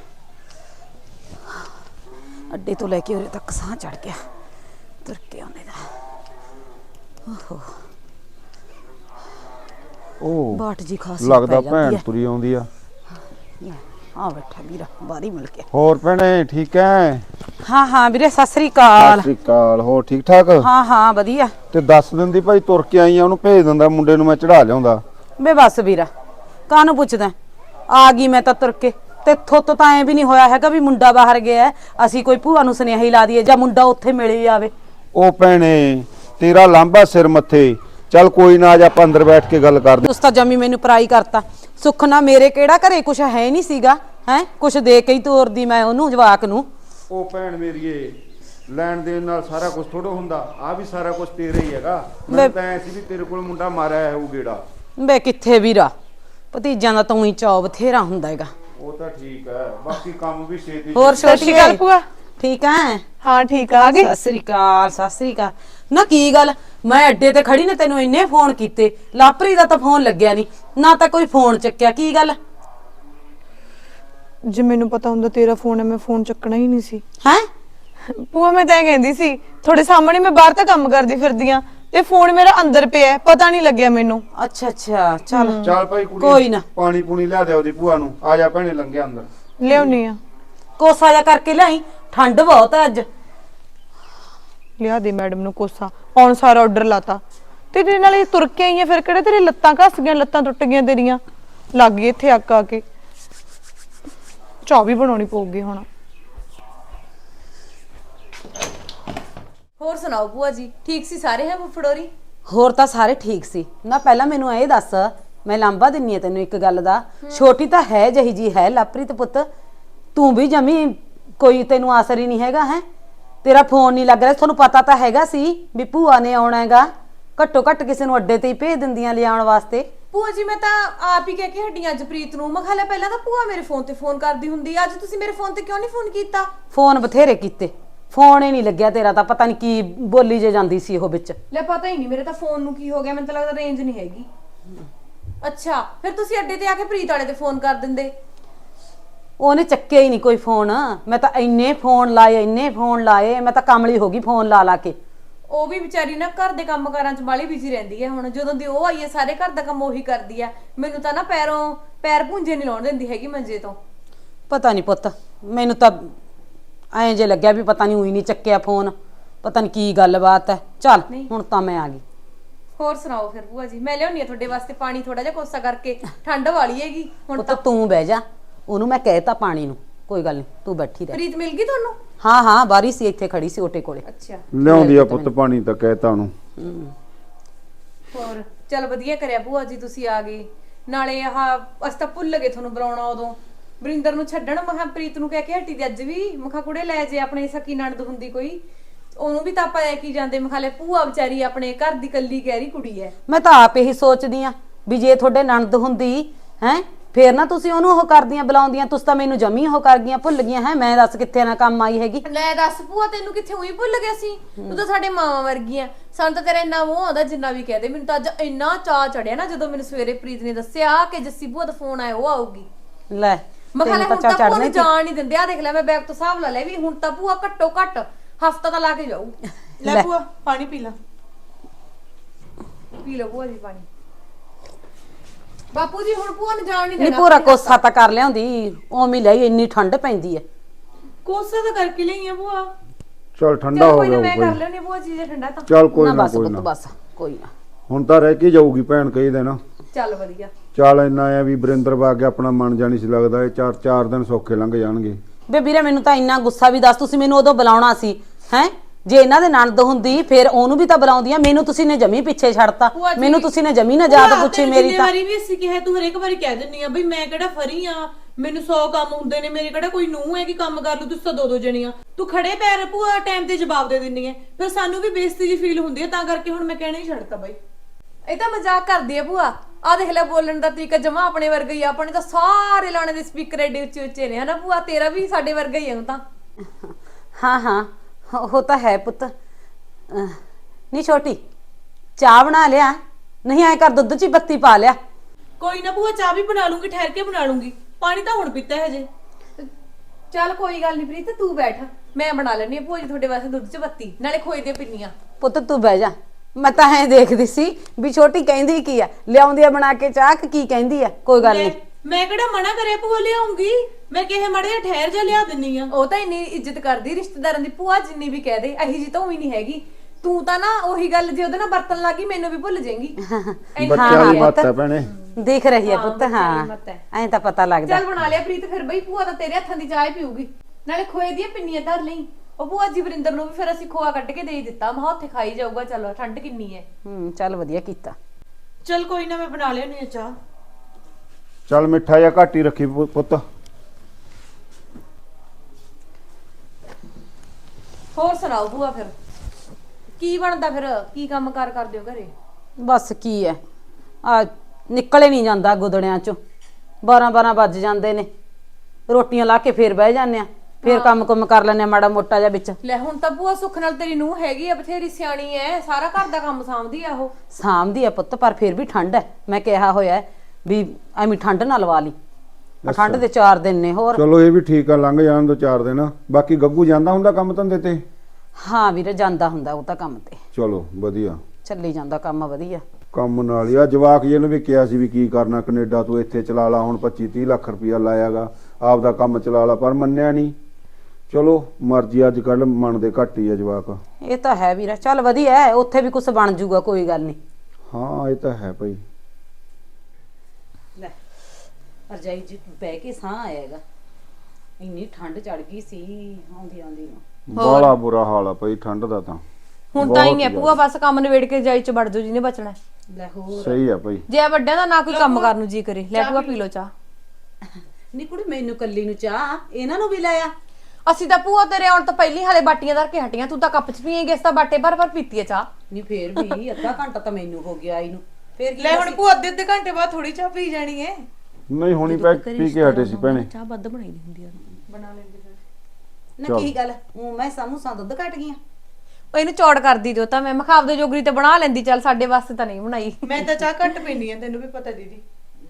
Speaker 5: ਅੱਡੇ ਤੋਂ ਲੈ ਕੇ ਉਰੇ ਤੱਕ ਸਾਹ ਚੜ ਗਿਆ ਤੁਰ ਕੇ ਆਉਣੇ ਦਾ। ਓਹੋ,
Speaker 3: ਉਹ
Speaker 5: ਬਾਟ ਜੀ ਖਾਸੀ
Speaker 3: ਲੱਗਦਾ
Speaker 5: ਪੈ ਜਾਂਦੀ
Speaker 3: ਭੈਣ
Speaker 5: ਹੈ।
Speaker 3: ਤੁਰੀ ਆਉਂਦੀ ਆ।
Speaker 5: ਆ ਬੈਠਾ ਵੀਰਾ, ਬਾਰੀ ਮਿਲ ਕੇ।
Speaker 3: ਹੋਰ ਭੈਣੇ ਠੀਕ ਐ?
Speaker 5: ਹਾਂ ਹਾਂ ਵੀਰੇ, ਸਤਿ ਸ੍ਰੀ ਅਕਾਲ।
Speaker 3: ਸਤਿ ਸ਼੍ਰੀ ਅਕਾਲ। ਹੋਰ ਠੀਕ ਠਾਕ?
Speaker 5: ਹਾਂ ਹਾਂ ਵਧੀਆ।
Speaker 3: ਤੇ ਦੱਸ ਦਿੰਦੀ ਭਾਈ ਤੁਰ ਕੇ ਆਈ ਆ, ਉਹਨੂੰ ਭੇਜ ਦਿੰਦਾ, ਮੁੰਡੇ ਨੂੰ ਮੈਂ ਚੜਾ ਲਿਆਉਂਦਾ।
Speaker 5: ਬੇ ਬਸ ਵੀਰਾ, ਕਾਹਨੂੰ ਪੁੱਛਦਾ, ਆ ਗਈ ਮੈਂ ਤਾਂ ਤੁਰ ਕੇ। ਤੇ ਥੁੱਤ ਤਾਂ ਐ ਵੀ ਨਹੀਂ ਹੋਇਆ ਹੈਗਾ ਵੀ ਮੁੰਡਾ ਬਾਹਰ ਗਿਆ ਹੈ, ਅਸੀਂ ਕੋਈ ਭੂਆ ਨੂੰ ਸੁਨੇਹਾ ਹੀ ਲਾ ਦਈਏ ਜਾਂ ਮੁੰਡਾ ਉੱਥੇ ਮਿਲ ਜਾਵੇ।
Speaker 3: ਉਹ ਭੈਣੇ ਤੇਰਾ ਲਾਂਬਾ ਸਿਰ ਮੱਥੇ, ਚੱਲ ਕੋਈ ਨਾ, ਅੱਜ ਆਪਾਂ ਅੰਦਰ ਬੈਠ ਕੇ ਗੱਲ ਕਰਦੇ।
Speaker 5: ਉਸ ਤਾਂ ਜਮੀ ਮੈਨੂੰ ਪਰਾਈ ਕਰਤਾ। ਸੁੱਖ ਨਾ ਮੇਰੇ ਕਿਹੜਾ ਘਰੇ ਕੁਛ ਹੈ ਨਹੀਂ ਸੀਗਾ, ਹੈ ਕੁਛ ਦੇ ਕੇ ਹੀ ਤੋਰਦੀ ਮੈਂ ਉਹਨੂੰ, ਜਵਾਕ ਨੂੰ।
Speaker 3: ਉਹ ਭੈਣ ਮੇਰੀਏ, ਲੈਣ ਦੇਣ ਨਾਲ ਸਾਰਾ ਕੁਝ ਥੋੜਾ ਹੁੰਦਾ, ਆ ਵੀ ਸਾਰਾ ਕੁਝ ਤੇਰਾ ਹੀ ਹੈਗਾ। ਮੈਂ ਤਾਂ ਐ ਸੀ ਵੀ ਤੇਰੇ ਕੋਲ ਮੁੰਡਾ ਮਾਰਿਆ ਹੈ ਉਹ ਗੇੜਾ।
Speaker 5: ਬੇ ਕਿੱਥੇ ਵੀਰਾ, ਭਤੀਜਾਂ ਦਾ ਤੂੰ ਹੀ ਚੌ ਬਥੇਰਾ ਹੁੰਦਾ ਹੈਗਾ।
Speaker 3: ਉਹ ਤਾਂ ਠੀਕ ਹੈ, ਬਾਕੀ ਕੰਮ ਵੀ ਛੇਤੀ।
Speaker 5: ਹੋਰ
Speaker 2: ਸਤਿ ਸ਼੍ਰੀ ਅਕਾਲ ਭੂਆ।
Speaker 5: ਠੀਕ ਹੈ?
Speaker 2: ਹਾਂ ਠੀਕ ਆ ਗਈ।
Speaker 5: ਸਤਿ ਸ੍ਰੀ ਅਕਾਲ, ਸਤਿ ਸ੍ਰੀ ਅਕਾਲ। ਨਾ ਕੀ ਗੱਲ, ਮੈਂ ਅੱਡੇ ਤੇ ਖੜੀ ਨੇ ਤੈਨੂੰ ਇੰਨੇ ਫੋਨ ਕੀਤੇ, ਲਾਪਰੀ ਦਾ ਤਾਂ ਫੋਨ ਲੱਗਿਆ ਨਹੀਂ, ਨਾ ਤਾਂ ਕੋਈ ਫੋਨ ਚੱਕਿਆ, ਕੀ ਗੱਲ?
Speaker 2: ਜੇ ਮੈਨੂੰ ਪਤਾ ਹੁੰਦਾ ਤੇਰਾ ਫੋਨ ਹੈ, ਮੈਂ ਫੋਨ ਚੱਕਣਾ ਹੀ ਨਹੀਂ ਸੀ।
Speaker 5: ਹੈ
Speaker 2: ਭੂਆ ਮੈਂ ਤਾਂ ਇਹ ਕਹਿੰਦੀ ਸੀ, ਤੁਹਾਡੇ ਸਾਹਮਣੇ ਮੈਂ ਬਾਹਰ ਤਾਂ ਕੰਮ ਕਰਦੀ ਫਿਰਦੀ ਆ ਤੇ ਫੋਨ ਮੇਰਾ ਅੰਦਰ ਪਿਆ, ਪਤਾ ਨਹੀਂ ਲੱਗਿਆ ਮੈਨੂੰ।
Speaker 5: ਅੱਛਾ ਅੱਛਾ, ਚੱਲ
Speaker 3: ਚੱਲ ਭਾਈ ਕੁੜੀ,
Speaker 5: ਕੋਈ ਨਾ।
Speaker 3: ਪਾਣੀ ਪੂਣੀ ਲਿਆ ਦੇ ਉਹਦੀ ਭੂਆ ਨੂੰ। ਆ ਜਾ ਭੈਣੇ, ਲੰਘਿਆ ਅੰਦਰ।
Speaker 2: ਲਿਆਉਣੀ ਆ।
Speaker 5: ਕੋਸਾ ਜਾ ਕਰਕੇ ਲਿਆਈ, ਠੰਡ ਬਹੁਤ ਹੈ ਅੱਜ।
Speaker 2: ਲਿਆ ਦੇ ਮੈਡਮ ਨੂੰ ਕੋਸਾ, ਆਉਣ ਸਾਰਾ ਆਰਡਰ ਲਾਤਾ। ਤੇਰੇ ਨਾਲ ਹੀ ਤੁਰ ਕੇ ਆਈਆਂ, ਫਿਰ ਕਿਹੜੇ ਤੇਰੀ ਲੱਤਾਂ ਘਸ ਗਈਆਂ, ਲੱਤਾਂ ਟੁੱਟ ਗਈਆਂ ਤੇਰੀਆਂ। ਲੱਗ ਗਈ ਇੱਥੇ ਅੱਕ ਆ ਕੇ। ਚਾਹ ਵੀ ਬਣਾਉਣੀ ਪਊਗੀ ਹੁਣ।
Speaker 1: ਹੋਰ ਸੁਣਾਓ ਭੂਆ ਜੀ, ਠੀਕ ਸੀ ਸਾਰੇ ਹੈ ਫੜੋਰੀ?
Speaker 5: ਹੋਰ ਤਾਂ ਸਾਰੇ ਠੀਕ ਸੀ ਨਾ। ਪਹਿਲਾਂ ਮੈਨੂੰ ਇਹ ਦੱਸ, ਮੈਂ ਲਾਂਬਾ ਦਿੰਨੀ ਆ ਤੈਨੂੰ ਇੱਕ ਗੱਲ ਦਾ। ਛੋਟੀ ਤਾਂ ਹੈ ਜਹੀ ਜੀ ਹੈ ਲਵਪ੍ਰੀਤ ਪੁੱਤ, ਤੂੰ ਵੀ ਜਮੀ ਕੋਈ ਤੈਨੂੰ ਆਸਰ ਹੀ ਨਹੀਂ ਹੈਗਾ ਹੈ। ਤੇਰਾ ਫੋਨ ਨਹੀਂ ਲੱਗ ਰਿਹਾ, ਤੁਹਾਨੂੰ ਪਤਾ ਤਾਂ ਹੈਗਾ ਸੀ ਵੀ ਭੂਆ ਨੇ ਆਉਣਾ ਹੈਗਾ। ਘੱਟੋ ਘੱਟ ਕਿਸੇ ਨੂੰ ਅੱਡੇ ਤੇ ਹੀ ਭੇਜ ਦਿੰਦੀਆਂ ਲਿਆਉਣ ਵਾਸਤੇ।
Speaker 1: ਭੂਆ ਜੀ ਮੈਂ ਤਾਂ ਆਪ ਹੀ ਕਹਿ ਕੇ ਹੱਡੀਆਂ ਅੱਜ ਪ੍ਰੀਤ ਨੂੰ, ਮੈਂ ਕਿਹਾ ਪਹਿਲਾਂ ਤਾਂ ਭੂਆ ਮੇਰੇ ਫੋਨ ਤੇ ਫੋਨ ਕਰਦੀ ਹੁੰਦੀ, ਅੱਜ ਤੁਸੀਂ ਮੇਰੇ ਫੋਨ ਤੇ ਕਿਉਂ ਨਹੀਂ ਫੋਨ ਕੀਤਾ?
Speaker 5: ਫੋਨ ਬਥੇਰੇ ਕੀਤੇ, ਫੋਨ ਹੀ ਨਹੀਂ ਲੱਗਿਆ ਤੇਰਾ। ਤਾਂ ਪਤਾ ਨਹੀਂ ਕੀ ਬੋਲੀ ਜੇ ਜਾਂਦੀ ਸੀ ਉਹ ਵਿੱਚ।
Speaker 1: ਲੈ ਪਤਾ ਹੀ ਨਹੀਂ ਮੇਰੇ ਤਾਂ ਫੋਨ ਨੂੰ ਕੀ ਹੋ ਗਿਆ, ਮੈਨੂੰ ਤਾਂ ਲੱਗਦਾ ਰੇਂਜ ਨਹੀਂ ਹੈਗੀ। ਅੱਛਾ ਫਿਰ ਤੁਸੀਂ ਅੱਡੇ ਤੇ ਆ ਕੇ ਪ੍ਰੀਤ ਵਾਲੇ ਤੇ ਫੋਨ ਕਰ ਦਿੰਦੇ।
Speaker 5: ਉਹਨੇ ਚੱਕਿਆ ਹੀ ਨਹੀਂ ਕੋਈ ਫੋਨ। ਮੈਂ ਤਾਂ ਇੰਨੇ ਫੋਨ ਲਾਏ, ਮੈਂ ਤਾਂ ਕਮਲੀ ਹੋ ਗਈ ਫੋਨ ਲਾ ਲਾ ਕੇ।
Speaker 1: ਉਹ ਵੀ ਵਿਚਾਰੀ ਨਾ ਘਰ ਦੇ ਕੰਮਕਾਰਾਂ 'ਚ ਬਾਲੀ ਬਿਜ਼ੀ ਰਹਿੰਦੀ ਹੈ। ਹੁਣ ਜਦੋਂ ਦੀ ਉਹ ਆਈ ਹੈ ਸਾਰੇ ਘਰ ਦਾ ਕੰਮ ਉਹੀ ਕਰਦੀ ਹੈ। ਮੈਨੂੰ ਤਾਂ ਨਾ ਪੈਰ ਭੁੰਜੇ ਨਹੀਂ ਲਾਉਣ ਦਿੰਦੀ ਹੈਗੀ ਮੰਜੇ ਤੋਂ।
Speaker 5: ਪਤਾ ਨਹੀਂ ਪੁੱਤ, ਮੈਨੂੰ ਤਾਂ ਐਂ ਜੇ ਲੱਗਿਆ ਵੀ ਪਤਾ ਨਹੀਂ ਉਹੀ ਨਹੀਂ ਚੱਕਿਆ ਫੋਨ, ਪਤਾ ਨਹੀਂ ਕੀ ਗੱਲਬਾਤ ਹੈ। ਚੱਲ ਹੁਣ ਤਾਂ ਮੈਂ ਆ ਗਈ।
Speaker 1: ਹੋਰ ਸੁਣਾਓ ਫਿਰ ਭੂਆ ਜੀ, ਮੈਂ ਲਿਆਉਣੀ ਆ ਤੁਹਾਡੇ ਵਾਸਤੇ ਪਾਣੀ ਥੋੜਾ ਜਿਹਾ ਕੋਸਾ ਕਰਕੇ, ਠੰਡ ਵਾਲੀ ਹੈਗੀ ਹੁਣ
Speaker 5: ਪੁੱਤ
Speaker 1: ਤਾਂ।
Speaker 5: ਤੂੰ ਬਹਿ ਜਾ, ਉਹਨੂੰ ਮੈਂ ਕਹਿਤਾ ਪਾਣੀ ਨੂੰ, ਕੋਈ ਗੱਲ ਨਹੀਂ ਤੂੰ ਬੈਠੀ ਰਹਿ।
Speaker 1: ਪ੍ਰੀਤ ਮਿਲ ਗਈ ਤੁਹਾਨੂੰ?
Speaker 5: ਹਾਂ ਹਾਂ, ਬਾਰੀ ਸੀ ਇੱਥੇ ਖੜੀ ਸੀ ਓਟੇ ਕੋਲੇ।
Speaker 1: ਅੱਛਾ
Speaker 3: ਲਿਆਉਂਦੀ ਆ ਪੁੱਤ ਪਾਣੀ ਤਾਂ ਕਹਿਤਾ ਉਹਨੂੰ।
Speaker 1: ਹੋਰ ਚੱਲ ਵਧੀਆ ਕਰਿਆ ਭੂਆ ਜੀ ਤੁਸੀਂ ਆ ਗਏ। ਨਾਲੇ ਆਹ ਅਸੀਂ ਤਾਂ ਭੁੱਲ ਗਏ ਤੁਹਾਨੂੰ ਬੁਲਾਉਣਾ ਉਦੋਂ। ਵਰਿੰਦਰ ਨੂੰ ਛੱਡਣ ਮਖਾ ਪ੍ਰੀਤ ਨੂੰ ਕਹਿ ਕੇ ਹਟੀ ਤੇ ਅੱਜ ਵੀ ਮਖਾ ਕੁੜੇ ਲੈ ਜੇ ਆਪਣੇ ਸਕੀ ਨਣਦ ਹੁੰਦੀ ਕੋਈ, ਉਹਨੂੰ ਵੀ ਤਾਂ ਆਪਾਂ ਲੈ ਕੇ ਜਾਂਦੇ। ਮਖਾਲੇ ਭੂਆ ਵਿਚਾਰੀ ਆਪਣੇ ਘਰ ਦੀ ਕੱਲੀ ਗਹਿਰੀ ਕੁੜੀ ਐ।
Speaker 5: ਮੈਂ ਤਾਂ ਆਪ ਇਹੀ ਸੋਚਦੀ ਆ ਵੀ ਜੇ ਤੁਹਾਡੇ ਨਣਦ ਹੁੰਦੀ ਹੈ ਫੇਰ ਨਾ ਤੁਸੀਂ ਉਹਨੂੰ ਉਹ ਕਰਦੀਆਂ ਬੁਲਾਉਂਦੀਆਂ। ਤੁਸੀਂ ਤਾਂ ਮੈਨੂੰ ਜਮੀ ਉਹ ਕਰ ਗਈਆਂ, ਭੁੱਲ ਗਈਆਂ ਹੈ। ਮੈਂ ਦੱਸ ਕਿੱਥੇ ਨਾ ਕੰਮ ਆਈ ਹੈਗੀ।
Speaker 1: ਲੈ ਦੱਸ ਭੂਆ, ਤੈਨੂੰ ਕਿੱਥੇ ਉਹੀ ਭੁੱਲ ਗਿਆ ਸੀ? ਤੂੰ ਤਾਂ ਸਾਡੇ ਮਾਵਾਂ ਵਰਗੀਆਂ। ਸਾਨੂੰ ਤਾਂ ਤੇਰਾ ਇੰਨਾ ਮੋਹ ਆਉਂਦਾ ਜਿੰਨਾ ਵੀ ਕਹਦੇ। ਮੈਨੂੰ ਤਾਂ ਅੱਜ ਇੰਨਾ ਚਾਅ ਚੜਿਆ ਨਾ ਜਦੋਂ ਮੈਨੂੰ ਸਵੇਰੇ ਪ੍ਰੀਤ ਨੇ ਦੱਸਿਆ ਕਿ ਜੱਸੀ ਭੂਆ ਦਾ ਫੋਨ ਆਇਆ, ਉਹ ਆਊਗੀ।
Speaker 5: ਲੈ
Speaker 1: ਮਖਾਲੇ ਹੁਣ ਤਾਂ ਭੂਆ ਨੂੰ ਜਾਣ ਨਹੀਂ ਦਿੰਦੇ। ਆ ਦੇਖ ਲੈ, ਮੈਂ ਬੈਗ ਤੋਂ ਹਿਸਾਬ ਲਾ ਲਿਆ ਵੀ ਹੁਣ ਤਾਂ ਭੂਆ ਘੱਟੋ ਘੱਟ ਹਫਤਾ ਤਾਂ ਲਾ ਕੇ ਜਾਊ।
Speaker 2: ਲੈ ਭੂਆ ਪਾਣੀ ਪੀ ਲੈ।
Speaker 1: ਪੀ ਲਓ ਭੂਆ ਜੀ ਪਾਣੀ। ਬਾਪੂ ਜੀ ਹੁਣ ਭੂਆ ਨੂੰ ਜਾਣ ਨਹੀਂ
Speaker 5: ਨਹੀਂ
Speaker 1: ਦੇਣਾ।
Speaker 5: ਪੂਰਾ ਕੋਸਾ ਤਾਂ ਕਰ ਲਿਆਉਂਦੀ, ਉਵੇਂ ਲਈ ਇੰਨੀ ਠੰਡ ਪੈਂਦੀ ਹੈ।
Speaker 2: ਕੋਸਾ ਤਾਂ ਕਰਕੇ ਲਈ ਆ ਭੂਆ।
Speaker 3: ਚਲ ਠੰਡਾ ਹੋ ਗਿਆ
Speaker 1: ਮੈਂ ਕਰ
Speaker 3: ਕੋਈ।
Speaker 1: ਲੈਣੀ ਭੂਆ ਜੀ ਜੇ ਠੰਡਾ ਤਾਂ।
Speaker 3: ਚਲ ਕੋਈ ਨਾ
Speaker 5: ਬਸ
Speaker 3: ਕੋਈ
Speaker 5: ਪੁੱਤ
Speaker 3: ਨਾ,
Speaker 5: ਬਸ ਕੋਈ ਨਾ।
Speaker 3: ਹੁਣ ਤਾਂ ਰਹਿ ਕੇ ਜਾਊਗੀ ਭੈਣ ਕਈ ਦਿਨ।
Speaker 1: ਚੱਲ ਵਧੀਆ।
Speaker 3: ਚੱਲ ਇੰਨਾ ਆ ਵੀ ਵਰਿੰਦਰ ਵਾ ਕੇ ਆਪਣਾ ਮਨ ਜਾਣੀ ਸੀ ਲੱਗਦਾ। ਇਹ 4 ਦਿਨ ਸੌਖੇ ਲੰਘ ਜਾਣਗੇ।
Speaker 5: ਬੇ ਵੀਰੇ ਮੈਨੂੰ ਤਾਂ ਇੰਨਾ ਗੁੱਸਾ ਵੀ ਦੱਸ, ਤੁਸੀਂ ਮੈਨੂੰ ਉਦੋਂ ਬੁਲਾਉਣਾ ਸੀ ਹੈ। ਜੇ ਇਹਨਾਂ ਦੇ ਨਣਦ ਹੁੰਦੀ ਫਿਰ ਉਹਨੂੰ ਵੀ ਤਾਂ ਬੁਲਾਉਂਦੀਆਂ। ਮੈਨੂੰ ਤੁਸੀਂ ਨੇ ਜਮੀ ਪਿੱਛੇ ਛੱਡਤਾ, ਮੈਨੂੰ ਤੁਸੀਂ ਨੇ ਜਮੀ ਨਾ ਯਾਦ ਪੁੱਛੀ ਮੇਰੀ ਤਾਂ।
Speaker 2: ਵਾਰੀ ਵੀ ਅਸੀਂ ਕਿਹਾ, ਤੂੰ ਹਰੇਕ ਵਾਰੀ ਕਹਿ ਦਿੰਨੀ ਆ ਬਈ ਮੈਂ ਕਿਹੜਾ ਫਰੀ ਆ, ਮੈਨੂੰ 100 ਕੰਮ ਹੁੰਦੇ ਨੇ, ਮੇਰੇ ਕਿਹੜਾ ਕੋਈ ਨੂੰਹ ਹੈ ਕਿ ਕੰਮ ਕਰ ਲੂ, ਤੁਸੀਂ ਤਾਂ ਦੋ ਜਣੀਆਂ। ਤੂੰ ਖੜੇ ਪੈਰ ਭੂਆ ਟਾਈਮ ਤੇ ਜਵਾਬ ਦੇ ਦਿੰਨੀ ਹੈ, ਫਿਰ ਸਾਨੂੰ ਵੀ ਬੇਇੱਜ਼ਤੀ ਜੀ ਫੀਲ ਹੁੰਦੀ ਹੈ। ਤਾਂ ਕਰਕੇ ਹੁਣ ਮੈਂ ਕਹਿਣਾ ਹੀ ਛੱਡਤਾ ਬਈ।
Speaker 1: ਇਹ ਤਾਂ ਮਜ਼ਾਕ ਕਰਦੀ ਆ ਭੂਆ। ਆ ਦੇਖ ਲੈ ਬੋਲਣ ਦਾ ਤਰੀਕਾ ਜਮਾ ਆਪਣੇ ਵਰਗਾ ਹੀ ਆ। ਆਪਣੇ ਤਾਂ ਸਾਰੇ ਲਾਣੇ ਦੇ ਸਪੀਕਰ ਐਡੇ ਉੱਚੇ ਉੱਚੇ ਨੇ ਹਨਾ ਭੂਆ। ਤੇਰਾ ਵੀ ਸਾਡੇ ਵਰਗਾ ਹੀ ਆ ਉਹ ਤਾਂ।
Speaker 5: ਹਾਂ ਹਾਂ ਉਹ ਤਾਂ ਹੈ ਪੁੱਤ। ਨਹੀਂ ਛੋਟੀ ਚਾਹ ਬਣਾ ਲਿਆ? ਨਹੀਂ ਐ ਕਰ ਦੁੱਧ 'ਚ ਹੀ ਬੱਤੀ ਪਾ ਲਿਆ।
Speaker 2: ਕੋਈ ਨਾ ਭੂਆ, ਚਾਹ ਵੀ ਬਣਾ ਲੂੰਗੀ, ਠਹਿਰ ਕੇ ਬਣਾ ਲੂੰਗੀ। ਪਾਣੀ ਤਾਂ ਹੁਣ ਪੀਤਾ ਹੈ ਹਜੇ।
Speaker 1: ਚੱਲ ਕੋਈ ਗੱਲ ਨਹੀਂ ਪ੍ਰੀਤ, ਤੂੰ ਬੈਠ, ਮੈਂ ਬਣਾ ਲੈਣੀ ਆ ਭੂਆ ਜੀ ਤੁਹਾਡੇ ਵਾਸਤੇ ਦੁੱਧ 'ਚ ਬੱਤੀ, ਨਾਲੇ ਖੋਏ ਦੀਆਂ ਪਿੰਨੀਆਂ।
Speaker 5: ਪੁੱਤ ਤੂੰ ਬਹਿ ਜਾ। ਮੈਂ ਤਾਂ ਐਂ ਦੇਖਦੀ ਸੀ ਵੀ ਛੋਟੀ ਕਹਿੰਦੀ ਕੀ ਆ, ਲਿਆਉਂਦੀ ਆ ਬਣਾ ਕੇ ਚਾਹ ਕਿ ਕੀ ਕਹਿੰਦੀ ਆ। ਕੋਈ ਗੱਲ ਨਹੀਂ,
Speaker 2: ਮੈਂ ਕਿਹੜਾ ਮਨਾ ਕਰਿਆ ਭੂਆ ਲਿਆਉਂਗੀ। ਮੈਂ ਕਿਹਾ ਮੜੇ ਜਿਹਾ ਠਹਿਰ ਜਾ, ਲਿਆ ਦਿੰਨੀ ਆ।
Speaker 1: ਉਹ ਤਾਂ ਇੰਨੀ ਇੱਜ਼ਤ ਕਰਦੀ ਰਿਸ਼ਤੇਦਾਰਾਂ ਦੀ ਭੂਆ, ਜਿੰਨੀ ਵੀ ਕਹਿ ਦੇ ਅਹੀ ਜੀ ਤਾਂ ਉਹੀ ਨਹੀਂ ਹੈਗੀ। ਤੂੰ ਤਾਂ ਨਾ ਉਹੀ ਗੱਲ ਜੇ ਉਹਦੇ ਨਾਲ ਵਰਤਣ ਲੱਗੀ ਮੈਨੂੰ ਵੀ ਭੁੱਲ ਜਾਏਂਗੀ।
Speaker 3: ਬੱਚਿਆਂ ਦੀ ਮੱਤ ਹੈ ਭੈਣੇ।
Speaker 5: ਦੇਖ ਰਹੀ ਆ ਪੁੱਤ। ਹਾਂ ਐਂ ਤਾਂ ਪਤਾ ਲੱਗਦਾ।
Speaker 1: ਚੱਲ ਬਣਾ ਲਿਆ ਪ੍ਰੀਤ ਫਿਰ ਬਈ, ਭੂਆ ਤਾਂ ਤੇਰੇ ਹੱਥਾਂ ਦੀ ਚਾਹ ਪੀਊਗੀ। ਨਾਲੇ ਖੋਏ ਦੀਆਂ ਪਿੰਨੀਆਂ ਧਰ ਲਈ। ਉਹ ਭੂਆ ਜੀ ਵਰਿੰਦਰ ਨੂੰ ਵੀ ਫਿਰ ਅਸੀਂ ਖੋਆ ਕੱਢ ਕੇ ਦੇ ਹੀ ਦਿੱਤਾ। ਮੈਂ ਉੱਥੇ ਖਾਈ ਜਾਊਗਾ। ਚਲੋ ਠੰਡ ਕਿੰਨੀ ਹੈ।
Speaker 5: ਚੱਲ ਵਧੀਆ ਕੀਤਾ।
Speaker 2: ਚੱਲ ਕੋਈ ਨਾ, ਮੈਂ ਬਣਾ ਲਿਆਉਣੀ ਆ ਚਾਹ।
Speaker 3: ਚੱਲ ਮਿੱਠਾ ਜਿਹਾ ਘੱਟ ਹੀ ਰੱਖੀ ਪੁੱਤ।
Speaker 1: ਹੋਰ ਸੁਣਾਓ ਭੂਆ, ਫਿਰ ਕੀ ਬਣਦਾ? ਫਿਰ ਕੀ ਕੰਮ ਕਾਰ ਕਰਦੇ ਹੋ ਘਰੇ?
Speaker 5: ਬਸ ਕੀ ਹੈ, ਆ ਨਿਕਲੇ ਨਹੀਂ ਜਾਂਦਾ ਗੁਦੜਿਆਂ ਚੋਂ। 12 ਵੱਜ ਜਾਂਦੇ ਨੇ, ਰੋਟੀਆਂ ਲਾ ਕੇ ਫੇਰ ਬਹਿ ਜਾਂਦੇ ਆ, ਫੇਰ ਕੰਮ ਕਰ ਲੈਂਦੇ ਆ ਮਾੜਾ ਮੋਟਾ ਜਿਹਾ ਵਿੱਚ।
Speaker 1: ਲੈ ਹੁਣ ਤਾਂ ਭੂਆ ਸੁੱਖ ਨਾਲ ਤੇਰੀ ਨੂੰਹ ਹੈਗੀ ਆ, ਬਥੇਰੀ ਸਿਆਣੀ ਐ, ਸਾਰਾ ਘਰ ਦਾ ਕੰਮ ਸਾਂਭਦੀ ਆ ਉਹ।
Speaker 5: ਸਾਂਭਦੀ ਆ ਪੁੱਤ, ਪਰ ਫੇਰ ਵੀ ਠੰਡ ਹੈ। ਮੈਂ ਕਿਹਾ ਹੋਇਆ ਵੀ ਐਵੇਂ ਠੰਡ ਨਾ ਲਵਾ ਲਈ। ਠੰਡ ਦੇ 4 ਦਿਨ ਨੇ ਹੋਰ।
Speaker 3: ਚਲੋ ਇਹ ਵੀ ਠੀਕ ਆ, ਲੰਘ ਜਾਣ ਦੋ 4 ਦਿਨ। ਬਾਕੀ ਗੱਗੂ ਜਾਂਦਾ ਹੁੰਦਾ ਕੰਮ ਧੰਦੇ ਤੇ?
Speaker 5: ਹਾਂ ਵੀਰੇ ਜਾਂਦਾ ਹੁੰਦਾ ਉਹ ਤਾਂ ਕੰਮ ਤੇ।
Speaker 3: ਚਲੋ ਵਧੀਆ,
Speaker 5: ਚੱਲੀ ਜਾਂਦਾ ਕੰਮ ਵਧੀਆ।
Speaker 3: ਕੰਮ ਨਾਲ ਹੀ ਆ। ਜਵਾਕ ਜੀ ਨੂੰ ਵੀ ਕਿਹਾ ਸੀ ਵੀ ਕੀ ਕਰਨਾ ਕੈਨੇਡਾ, ਤੂੰ ਇੱਥੇ ਚਲਾ ਲਾ। ਹੁਣ 25-30 ਲੱਖ ਰੁਪਇਆ ਲਾਇਆਗਾ, ਆਪਦਾ ਕੰਮ ਚਲਾ ਲਾ, ਪਰ ਮੰਨਿਆ ਨਹੀਂ। ਚਲੋ ਮਰਜ਼ੀ, ਅੱਜ ਕੱਲ ਮੰਨਦੇ ਘੱਟ ਹੀ ਆ ਜਵਾਕ।
Speaker 5: ਇਹ ਤਾਂ ਹੈ ਵੀਰਾ। ਚੱਲ ਵਧੀਆ ਹੈ, ਉੱਥੇ ਵੀ ਕੁਝ ਬਣ ਜੂਗਾ, ਕੋਈ ਗੱਲ ਨਹੀਂ।
Speaker 3: ਹਾਂ ਇਹ ਤਾਂ ਹੈ ਭਾਈ।
Speaker 5: ਲੈ ਰਜਾਈ ਜੀ ਬਹਿ ਕੇ ਸਾਹ ਆਏਗਾ, ਇੰਨੀ ਠੰਡ ਚੜ ਗਈ ਸੀ ਆਉਂਦੀ ਆਉਂਦੀ ਨੂੰ।
Speaker 3: ਬਾਲਾ ਬੁਰਾ ਹਾਲ ਆ ਭਾਈ ਠੰਡ ਦਾ ਤਾਂ।
Speaker 1: ਹੁਣ ਤਾਂ ਹੀ ਹੈ
Speaker 3: ਬਹੁਤ
Speaker 1: ਭੂਆ, ਬਸ ਕੰਮ ਨਿਬੇੜ ਕੇ ਜਾਈ ਚ ਵੜ ਜਾਓ ਜਿਹਨੇ ਬਚਣਾ ਹੈ।
Speaker 5: ਲੈ ਹੋਰ
Speaker 3: ਸਹੀ ਆ ਭਾਈ।
Speaker 1: ਜੇ ਵੱਡਿਆਂ ਦਾ ਨਾ ਕੋਈ ਕੰਮ ਕਰਨ ਨੂੰ ਜੀ ਕਰੇ, ਲੈ ਭੂਆ ਪੀ ਲਓ ਚਾਹ।
Speaker 5: ਨੀ ਕੁੜੀ ਮੈਨੂੰ ਕੱਲੀ ਨੂੰ ਚਾਹ, ਇਹਨਾਂ ਨੂੰ ਵੀ ਲਾਇਆ।
Speaker 1: ਅਸੀਂ ਤਾਂ ਭੂਆ ਤੇਰੇ ਆਉਣ ਤੋਂ ਪਹਿਲੀ ਹਾਲੇ ਬਾਟੀਆਂ ਧਰ ਕੇ ਹਟੀਆਂ, ਤੂੰ ਤਾਂ ਕੱਪ ਚ ਪੀਏਂਗੇ, ਇਸ ਤਾਂ ਬਾਟੇ ਭਰ ਪੀਤੀ ਹੈ ਚਾਹ।
Speaker 5: ਨਹੀਂ ਫੇਰ ਵੀ ਅੱਧਾ ਘੰਟਾ ਤਾਂ ਮੈਨੂੰ ਹੋ ਗਿਆ ਇਹਨੂੰ, ਫੇਰ ਕੀ
Speaker 2: ਲੈ ਹੁਣ ਭੂਆ ਅੱਧੇ ਘੰਟੇ ਬਾਅਦ ਥੋੜੀ ਚਾਹ ਪੀ ਜਾਣੀ ਏ।
Speaker 3: ਨਹੀਂ ਹੁਣੀ ਪੀ ਕੇ ਹਟੇ ਸੀ ਭੈਣੇ।
Speaker 1: ਚਾਹ ਵੱਧ ਬਣਾਈ ਦੀ ਹੁੰਦੀ ਆ।
Speaker 5: ਨਾ ਕੀ ਗੱਲ ਉਹ ਮੈਂ ਸਾਂ ਦੁੱਧ ਘਟ ਗਈਆਂ।
Speaker 1: ਉਹ ਇਹਨੂੰ ਚੌੜ ਕਰਦੀ ਦਿਓ ਤਾਂ ਮੈਂ ਮਖਾਵਦੇ ਜੋਗਰੀ ਤੇ ਬਣਾ ਲੈਂਦੀ, ਚੱਲ ਸਾਡੇ ਵਾਸਤੇ ਤਾਂ ਨਹੀਂ ਬਣਾਈ।
Speaker 2: ਮੈਂ ਤਾਂ ਚਾਹ ਘੱਟ ਪੀਂਦੀ ਆ, ਤੈਨੂੰ ਵੀ ਪਤਾ ਦੀਦੀ।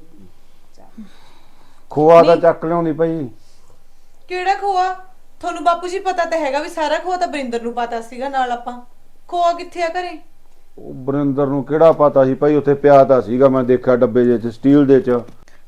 Speaker 3: ਖੋਆ ਤਾਂ ਚੱਕ ਲਿਆਉਂਦੀ ਭਾਈ।
Speaker 2: ਕਿਹੜਾ ਖੋਆ? ਤੁਹਾਨੂੰ ਬਾਪੂ ਜੀ ਪਤਾ ਤਾਂ ਹੈਗਾ ਵੀ ਸਾਰਾ ਖੋਆ ਤਾਂ ਬਰਿੰਦਰ ਨੂੰ ਪਤਾ ਸੀਗਾ, ਨਾਲ ਆਪਾਂ ਖੋਆ ਕਿੱਥੇ ਆ ਘਰੇ?
Speaker 3: ਉਹ ਬਰਿੰਦਰ ਨੂੰ ਕਿਹੜਾ ਪਤਾ ਸੀ ਭਾਈ, ਉੱਥੇ ਪਿਆ ਤਾਂ ਸੀਗਾ, ਮੈਂ ਦੇਖਿਆ ਡੱਬੇ ਜਿਹੇ ਚ ਸਟੀਲ ਦੇ ਚ।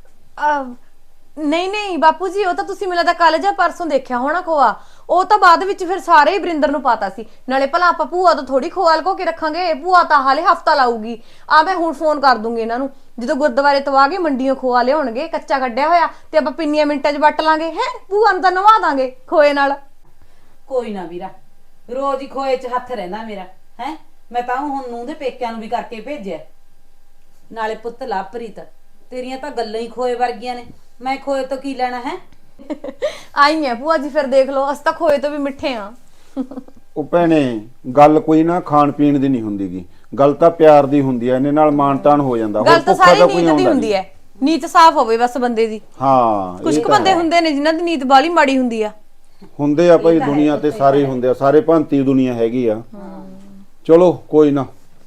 Speaker 1: ਨਹੀਂ ਨਹੀਂ ਬਾਪੂ ਜੀ, ਉਹ ਤਾਂ ਤੁਸੀਂ ਮੈਨੂੰ ਲੱਗਦਾ ਕੱਲ ਜਾਂ ਪਰਸੋਂ ਦੇਖਿਆ ਹੋਣਾ ਖੋਆ। ਉਹ ਤਾਂ ਬਾਅਦ ਵਿੱਚ ਫਿਰ ਸਾਰੇ ਹੀ ਬਰਿੰਦਰ ਨੂੰ ਪਤਾ ਸੀ। ਨਾਲੇ ਭਲਾ ਆਪਾਂ ਭੂਆ ਤੋਂ ਥੋੜੀ ਖੋਆ ਲਕੋ ਕੇ ਰੱਖਾਂਗੇ, ਭੂਆ ਤਾਂ ਹਾਲੇ ਹਫਤਾ ਲਾਊਗੀ। ਆ ਮੈਂ ਹੁਣ ਫੋਨ ਕਰ ਦੂੰਗੀ ਇਹਨਾਂ ਨੂੰ, ਜਦੋਂ ਗੁਰਦੁਆਰੇ ਤੋਂ ਆ ਕੇ ਮੰਡੀਆਂ ਖੋਆ ਲਿਆਉਣਗੇ ਕੱਚਾ ਕੱਢਿਆ ਹੋਇਆ, ਤੇ ਆਪਾਂ ਪਿੰਨੀਆਂ ਮਿੰਟਾਂ 'ਚ ਵੱਟ ਲਾਂਗੇ। ਹੈ ਭੂਆ ਨੂੰ ਤਾਂ ਨਵਾ ਦਾਂਗੇ ਖੋਏ ਨਾਲ।
Speaker 5: ਕੋਈ ਨਾ ਵੀਰਾ, ਰੋਜ਼ ਹੀ ਖੋਏ 'ਚ ਹੱਥ ਰਹਿੰਦਾ ਮੇਰਾ। ਹੈ ਮੈਂ ਤਾਂ ਹੁਣ ਨੂੰ ਦੇ ਪੇਕਿਆਂ ਨੂੰ ਵੀ ਕਰਕੇ ਭੇਜਿਆ। ਨਾਲੇ ਪੁੱਤ ਲਵਪ੍ਰੀਤ, ਤੇਰੀਆਂ ਤਾਂ ਗੱਲਾਂ ਹੀ ਖੋਏ ਵਰਗੀਆਂ ਨੇ, ਮੈਂ ਖੋਏ ਤੋਂ ਕੀ ਲੈਣਾ ਹੈ?
Speaker 1: ਆਈ ਹੈ ਭੂਆ ਜੀ, ਫਿਰ ਦੇਖ ਲਓ ਅਸੀਂ ਤਾਂ ਖੋਏ ਤੋਂ ਵੀ ਮਿੱਠੇ ਆ।
Speaker 3: ਉਹ ਭੈਣੇ ਗੱਲ ਕੋਈ ਨਾ ਖਾਣ ਪੀਣ ਦੀ ਨਹੀਂ ਹੁੰਦੀਗੀ, ਗੱਲ ਤਾਂ ਪਿਆਰ ਦੀ ਹੁੰਦੀ ਐ, ਇਹਨੇ ਨਾਲ ਮਾਣ ਤਾਣ ਹੋ ਜਾਂਦਾ।
Speaker 1: ਗੱਲ ਤਾਂ
Speaker 3: ਭੁੱਖਾ
Speaker 1: ਸਾਰੀ
Speaker 3: ਤਾਂ ਕੋਈ
Speaker 1: ਨੀਤ ਦੀ
Speaker 3: ਆਉਂਦਾ
Speaker 1: ਹੁੰਦੀ
Speaker 3: ਨਹੀਂ।
Speaker 1: ਹੈ, ਨੀਤ ਸਾਫ਼ ਹੋਵੇ ਬਸ ਬੰਦੇ ਦੀ।
Speaker 3: ਹਾਂ
Speaker 1: ਕੁਝ
Speaker 3: ਇਹ
Speaker 1: ਕੁ
Speaker 3: ਤਾਂ
Speaker 1: ਬੰਦੇ
Speaker 3: ਹੈ।
Speaker 1: ਹੁੰਦੇ ਨੇ ਜਿਨ੍ਹਾਂ ਦੀ ਨੀਤ ਬਾਲੀ ਮਾੜੀ ਹੁੰਦੀ ਆ।
Speaker 3: ਹੁੰਦੇ ਆ ਭਾਈ, ਦੁਨੀਆ ਤੇ ਸਾਰੇ ਹੁੰਦੇ ਆ, ਸਾਰੇ ਭਾਂਤੀ ਦੁਨੀਆ ਹੈਗੀ ਆ। ਚਲੋ ਕੋਈ ਨਾ।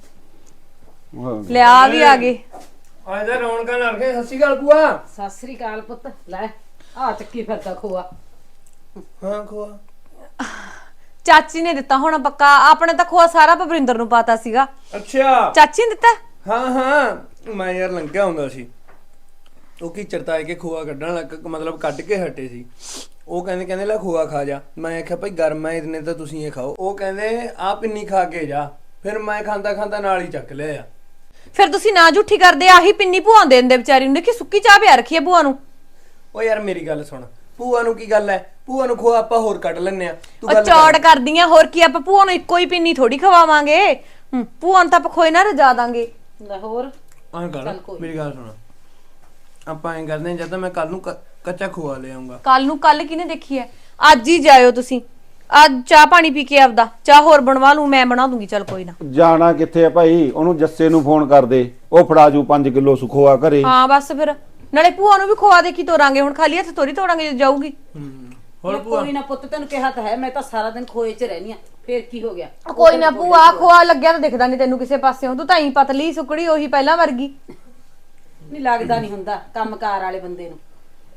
Speaker 1: ਲਿਆ ਵੀ ਆ ਗਏ।
Speaker 4: ਅੱਜ ਤਾਂ ਰੌਣਕਾਂ ਲੱਗ ਗਏ। ਸਤਿ ਸ਼੍ਰੀ ਅਕਾਲ ਭੂਆ।
Speaker 5: ਸਤਿ ਸ੍ਰੀ ਅਕਾਲ ਪੁੱਤ। ਲੈ ਆ ਚੱਕੀ ਫਿਰਦਾ ਖੋਆ।
Speaker 4: ਹਾਂ ਖੋਆ
Speaker 1: ਚਾਚੀ ਨੇ ਦਿੱਤਾ ਹੋਣਾ ਪੱਕਾ, ਆਪਣੇ ਤਾਂ ਖੋਆ ਸਾਰਾ ਭਵਿੰਦਰ ਨੂੰ ਪਤਾ ਸੀਗਾ।
Speaker 4: ਅੱਛਾ।
Speaker 1: ਚਾਚੀ ਨੇ ਦਿੱਤਾ?
Speaker 4: ਹਾਂ ਹਾਂ ਮੈਂ ਯਾਰ ਲੰਘਿਆ ਹੁੰਦਾ ਸੀ, ਉਹ ਕੀ ਚਰਤਾਏ ਕੇ ਖੋਆ ਕੱਢਣ ਲੱਗ, ਮਤਲਬ ਕੱਢ ਕੇ ਹਟੇ ਸੀ। ਉਹ ਕਹਿੰਦੇ ਲੈ ਖੋਆ ਖਾ ਜਾ। ਮੈਂ ਆਖਿਆ ਭਾਈ ਗਰਮ ਹੈ ਇਤਨੇ ਤਾਂ ਤੁਸੀਂ ਇਹ ਖਾਓ। ਉਹ ਕਹਿੰਦੇ ਆ ਪਿੰਨੀ ਖਾ ਕੇ ਜਾ। ਫਿਰ ਮੈਂ ਖਾਂਦਾ ਨਾਲ ਹੀ ਚੱਕ ਲਿਆ।
Speaker 1: ਫਿਰ ਤੁਸੀਂ ਨਾ ਝੂਠੀ ਕਰਦੇ, ਆਹੀ ਪਿੰਨੀ ਭੂਆ ਦੇ ਦਿੰਦੇ ਵਿਚਾਰੀ ਨੂੰ। ਦੇਖੀ ਸੁੱਕੀ ਚਾਹ ਪਿਆ ਰੱਖੀ ਹੈ ਭੂਆ ਨੂੰ।
Speaker 4: ਉਹ ਯਾਰ ਮੇਰੀ ਗੱਲ ਸੁਣ, ਭੂਆ ਨੂੰ ਕੀ ਗੱਲ ਹੈ? ਭੂਆ ਨੂੰ ਖੋਆ ਆਪਾਂ ਹੋਰ ਕੱਢ ਲੈਨੇ ਆ। ਤੂੰ
Speaker 1: ਉਹ
Speaker 4: ਗੱਲ
Speaker 1: ਚੌੜ ਕਰਦੀਆਂ, ਹੋਰ ਕੀ ਆਪਾਂ ਭੂਆ ਨੂੰ ਇੱਕੋ ਹੀ ਪਿੰਨੀ ਥੋੜੀ ਖਵਾਵਾਂਗੇ। ਭੂਆ ਨੂੰ ਤਾਂ ਆਪਾਂ ਖੋਏ ਨਾ ਰਜਾ ਦਾਂਗੇ।
Speaker 5: ਲੈ ਹੋਰ
Speaker 4: ਐਂ ਕਰ, ਮੇਰੀ ਗੱਲ ਸੁਣ, ਆਪਾਂ ਐਂ ਕਰਦੇ ਹਾਂ, ਜਦ ਤਾਂ ਮੈਂ ਕੱਲ ਨੂੰ ਕੱਚਾ ਖੋਆ ਲੈ ਆਉਂਗਾ।
Speaker 1: ਕੱਲ ਕਿਹਨੇ ਦੇਖੀ ਹੈ? ਅੱਜ ਹੀ ਜਾਇਓ ਤੁਸੀਂ। ਅੱਜ ਚਾਹ ਪਾਣੀ ਪੀ ਕੇ ਆਪਦਾ, ਚਾਹ ਹੋਰ ਬਣਵਾ ਲੂ, ਮੈਂ ਬਣਾ ਦੂੰਗੀ। ਚੱਲ ਕੋਈ ਨਾ।
Speaker 3: ਜਾਣਾ ਕਿੱਥੇ ਆ ਭਾਈ? ਉਹਨੂੰ ਜੱਸੇ ਨੂੰ ਫੋਨ ਕਰ ਦੇ, ਉਹ ਫੜਾ ਜੂ 5 ਕਿਲੋ ਸੁਖੋਆ ਘਰੇ।
Speaker 1: ਹਾਂ ਬਸ ਫਿਰ ਨਾਲੇ ਭੂਆ ਨੂੰ ਵੀ ਖਵਾ ਦੇ ਕੀ ਤੋਰਾਂਗੇ, ਹੁਣ ਖਾਲੀ ਹੱਥ ਤੋਰੀ ਤੋੜਾਂਗੇ ਜੇ ਜਾਊਗੀ।
Speaker 4: ਹੋਰ ਭੂਆ
Speaker 5: ਕੋਈ ਨਾ ਪੁੱਤ, ਤੈਨੂੰ ਕਿਹਾ ਤਾਂ ਹੈ, ਮੈਂ ਤਾਂ ਸਾਰਾ ਦਿਨ ਖੋਏ 'ਚ ਰਹਿਨੀ ਆ। ਫੇਰ ਕੀ ਹੋ ਗਿਆ?
Speaker 1: ਕੋਈ ਨਾ ਭੂਆ, ਖੋਆ ਲੱਗਿਆ ਤਾਂ ਦਿਖਦਾ ਨਹੀਂ ਤੈਨੂੰ ਕਿਸੇ ਪਾਸਿਓਂ। ਤੂੰ ਤਾਂ ਹੀ ਪਤਲੀ ਸੁਕੜੀ ਉਹੀ ਪਹਿਲਾਂ ਵਰਗੀ।
Speaker 5: ਨਹੀਂ ਲੱਗਦਾ ਨਹੀਂ ਹੁੰਦਾ ਕੰਮਕਾਰ ਵਾਲੇ ਬੰਦੇ ਨੂੰ।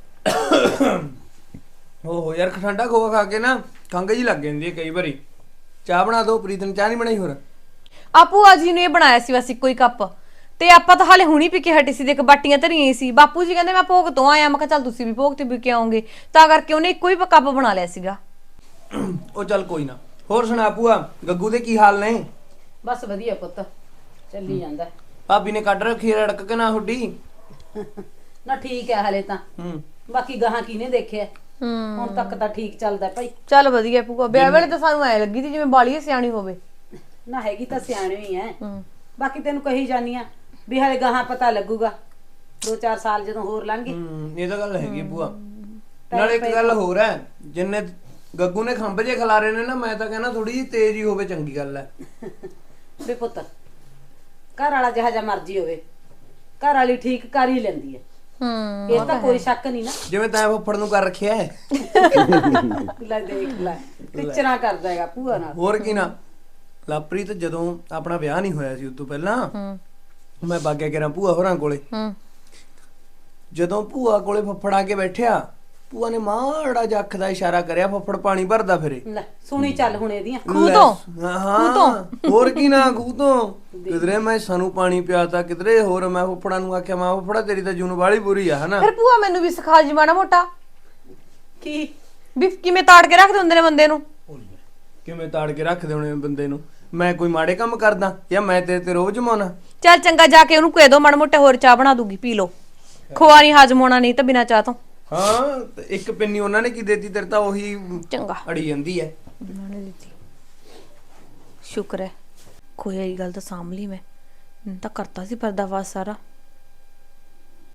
Speaker 4: ਓਹੋ ਯਾਰ, ਠੰਡਾ ਖੋਆ ਖਾ ਕੇ ਨਾ ਖੰਘ ਜੀ ਲੱਗ ਜਾਂਦੀ ਹੈ ਕਈ ਵਾਰੀ। ਚਾਹ ਬਣਾ ਦੋ। ਪ੍ਰੀਤ ਨੇ ਚਾਹ ਨਹੀਂ ਬਣਾਈ? ਹੋਰ
Speaker 1: ਆ ਭੂਆ ਜੀ ਨੇ ਇਹ ਬਣਾਇਆ ਸੀ ਬਸ ਇੱਕੋ ਹੀ ਕੱਪ, ਤੇ ਆਪਾਂ ਤਾਂ ਹਾਲੇ ਹੁਣੀ ਪੀ ਕੇ ਹਟੇ ਸੀ। ਦੇਖ ਬਾਟੀਆਂ ਧਰੀਆਂ ਹੀ ਸੀ। ਬਾਪੂ ਜੀ ਕਹਿੰਦੇ ਮੈਂ ਭੋਗ ਤੋਂ ਆਇਆ, ਮੈਂ ਕਿਹਾ ਚੱਲ ਤੁਸੀਂ ਵੀ ਭੋਗ ਤੇ ਪੀ ਕੇ ਆਓਗੇ, ਤਾਂ ਕਰਕੇ ਉਹਨੇ ਇੱਕੋ ਹੀ ਕੱਪ ਬਣਾ ਲਿਆ ਸੀਗਾ।
Speaker 4: ਉਹ ਚੱਲ ਕੋਈ ਨਾ। ਹੋਰ ਸੁਣਾ ਭੂਆ, ਗੱਗੂ ਦੇ ਕੀ ਹਾਲ ਨੇ?
Speaker 5: ਬਸ ਵਧੀਆ ਪੁੱਤ, ਚੱਲੀ ਜਾਂਦਾ।
Speaker 4: ਭਾਬੀ ਨੇ ਕੱਢ ਰੱਖੀ ਰੜਕ ਕੇ ਨਾ ਹੁੱਡੀ?
Speaker 5: ਨਾ ਠੀਕ ਹੈ ਹਲੇ ਤਾਂ। ਬਾਕੀ ਗਾਹਾਂ ਕਿਹਨੇ ਦੇਖਿਆ? ਹੁਣ ਤੱਕ ਤਾਂ ਠੀਕ ਚੱਲਦਾ ਭਾਈ।
Speaker 1: ਚੱਲ ਵਧੀਆ ਭੂਆ। ਵਿਆਹ ਵੇਲੇ ਤਾਂ ਸਾਨੂੰ ਐ ਲੱਗੀ ਸੀ ਜਿਵੇਂ ਬਾਲੀ ਸਿਆਣੀ ਹੋਵੇ।
Speaker 5: ਨਾ ਹੈਗੀ ਤਾਂ ਸਿਆਣੀ ਹੀ ਐ। ਬਾਕੀ ਤੈਨੂੰ ਕਹੀ ਜਾਨੀ ਆ ਵੀ ਹਲੇ ਗਾਹਾਂ ਪਤਾ ਲੱਗੂਗਾ, 2-4 ਸਾਲ ਜਦੋਂ ਹੋਰ ਲੰਘੇ।
Speaker 4: ਇਹ ਤਾਂ ਗੱਲ ਹੈਗੀ ਭੂਆ। ਨਾਲੇ ਇੱਕ ਗੱਲ ਹੋਰ ਹੈ, ਜਿੰਨੇ ਗੱਗੂ ਨੇ ਖੰਭ ਜੇ ਖਿਲਾਰੇ ਨੇ ਨਾ, ਮੈਂ ਤਾਂ ਕਹਿੰਦਾ ਥੋੜੀ ਜਿਹੀ ਤੇਜ਼ ਹੀ ਹੋਵੇ, ਚੰਗੀ ਗੱਲ ਹੈ।
Speaker 5: ਵੇ ਪੁੱਤ, ਘਰ ਵਾਲਾ ਜਿਹਾ ਜਿਹਾ ਮਰਜ਼ੀ ਹੋਵੇ, ਘਰ ਵਾਲੀ ਠੀਕ ਕਰ ਹੀ ਲੈਂਦੀ ਹੈ। ਇਹ ਤਾਂ ਕੋਈ ਸ਼ੱਕ ਨਹੀਂ ਨਾ।
Speaker 4: ਜਿਵੇਂ ਤੈਂ ਫੁੱਫੜ ਨੂੰ ਕਰ ਰੱਖਿਆ ਹੈ।
Speaker 5: ਲੈ ਦੇਖ ਲੈ, ਟਿਚਰਾਂ ਕਰਦਾ ਹੈਗਾ ਭੂਆ ਨਾਲ।
Speaker 4: ਹੋਰ ਕੀ ਨਾ। ਲਵਪ੍ਰੀਤ ਜਦੋਂ ਆਪਣਾ ਵਿਆਹ ਨਹੀਂ ਹੋਇਆ ਸੀ ਉਸ ਤੋਂ ਪਹਿਲਾਂ ਮੈਂ ਬਾਗਿਆ ਕਰਾਂ ਭੂਆ ਹੋਰਾਂ ਕੋਲੇ। ਜਦੋਂ ਭੂਆ ਕੋਲੇ ਫੁੱਫੜ ਆ ਕੇ ਬੈਠਿਆ, ਭੂਆ ਨੇ ਮਾੜਾ ਜਿਹਾ ਅੱਖ ਦਾ ਇਸ਼ਾਰਾ ਕਰਿਆ, ਫੁੱਫੜ ਪਾਣੀ ਭਰਦਾ ਫਿਰੇ।
Speaker 5: ਲੈ ਸੁਣੀ ਚੱਲ ਹੁਣ ਇਹਦੀਆਂ।
Speaker 1: ਖੂਹ ਤੋਂ?
Speaker 4: ਹਾਂ ਹੋਰ ਕੀ ਨਾ, ਖੂਹ ਤੋਂ। ਕਿਧਰੇ ਮੈਂ ਸਾਨੂੰ ਪਾਣੀ ਪਿਆਤਾ, ਕਿਧਰੇ ਹੋਰ। ਮੈਂ ਫੁੱਫੜਾਂ ਨੂੰ ਆਖਿਆ, ਮੈਂ ਫੁੱਫੜਾ ਤੇਰੀ ਤਾਂ ਜੂਨ ਵਾਲੀ ਬੁਰੀ ਆ, ਹਨਾ।
Speaker 1: ਫਿਰ ਭੂਆ ਮੈਨੂੰ ਵੀ ਸਿਖਾ ਜੀ ਮਾੜਾ ਮੋਟਾ,
Speaker 5: ਕੀ
Speaker 1: ਵੀ ਕਿਵੇਂ ਤਾੜ ਕੇ ਰੱਖਦੇ ਹੁੰਦੇ ਨੇ ਬੰਦੇ ਨੂੰ।
Speaker 4: ਕਿਵੇਂ ਤਾੜ ਕੇ ਰੱਖਦੇ ਹੋਣੇ ਬੰਦੇ ਨੂੰ? ਮੈਂ ਕੋਈ ਮਾੜੇ ਕੰਮ ਕਰਦਾ ਜਾਂ ਮੈਂ ਤੇਰੇ ਤੇ ਰੋਬ ਜਮਾਉਣਾ?
Speaker 1: ਚੱਲ ਚੰਗਾ, ਜਾ ਕੇ ਉਹਨੂੰ ਕਹਿ ਦੋ ਮਾੜਾ ਮੋਟਾ ਹੋਰ ਚਾਹ ਬਣਾ ਦੂਗੀ, ਪੀ ਲੋ। ਖੋਆ ਨਹੀਂ ਹਾਜ਼ਮ ਹੋਣਾ ਨਹੀਂ ਤਾਂ ਬਿਨਾਂ ਚਾਹ ਤੋਂ।
Speaker 6: ਹਾਂ ਤੇ ਇੱਕ ਪਿੰਨੀ ਉਹਨਾਂ ਨੇ ਕੀ ਦੇਤੀ, ਤੇਰੇ ਤਾਂ ਉਹੀ
Speaker 1: ਚੰਗਾ
Speaker 6: ਅੜੀ ਜਾਂਦੀ ਹੈ।
Speaker 1: ਉਹਨਾਂ ਨੇ ਦਿੱਤੀ, ਸ਼ੁਕਰ ਹੈ। ਕੋਈ ਇਹ ਗੱਲ ਤਾਂ ਸਾਂਭ ਲਈ ਮੈਂ ਤਾਂ ਕਰਤਾ ਸੀ ਪਰਦਾਫਾਸ਼ ਸਾਰਾ।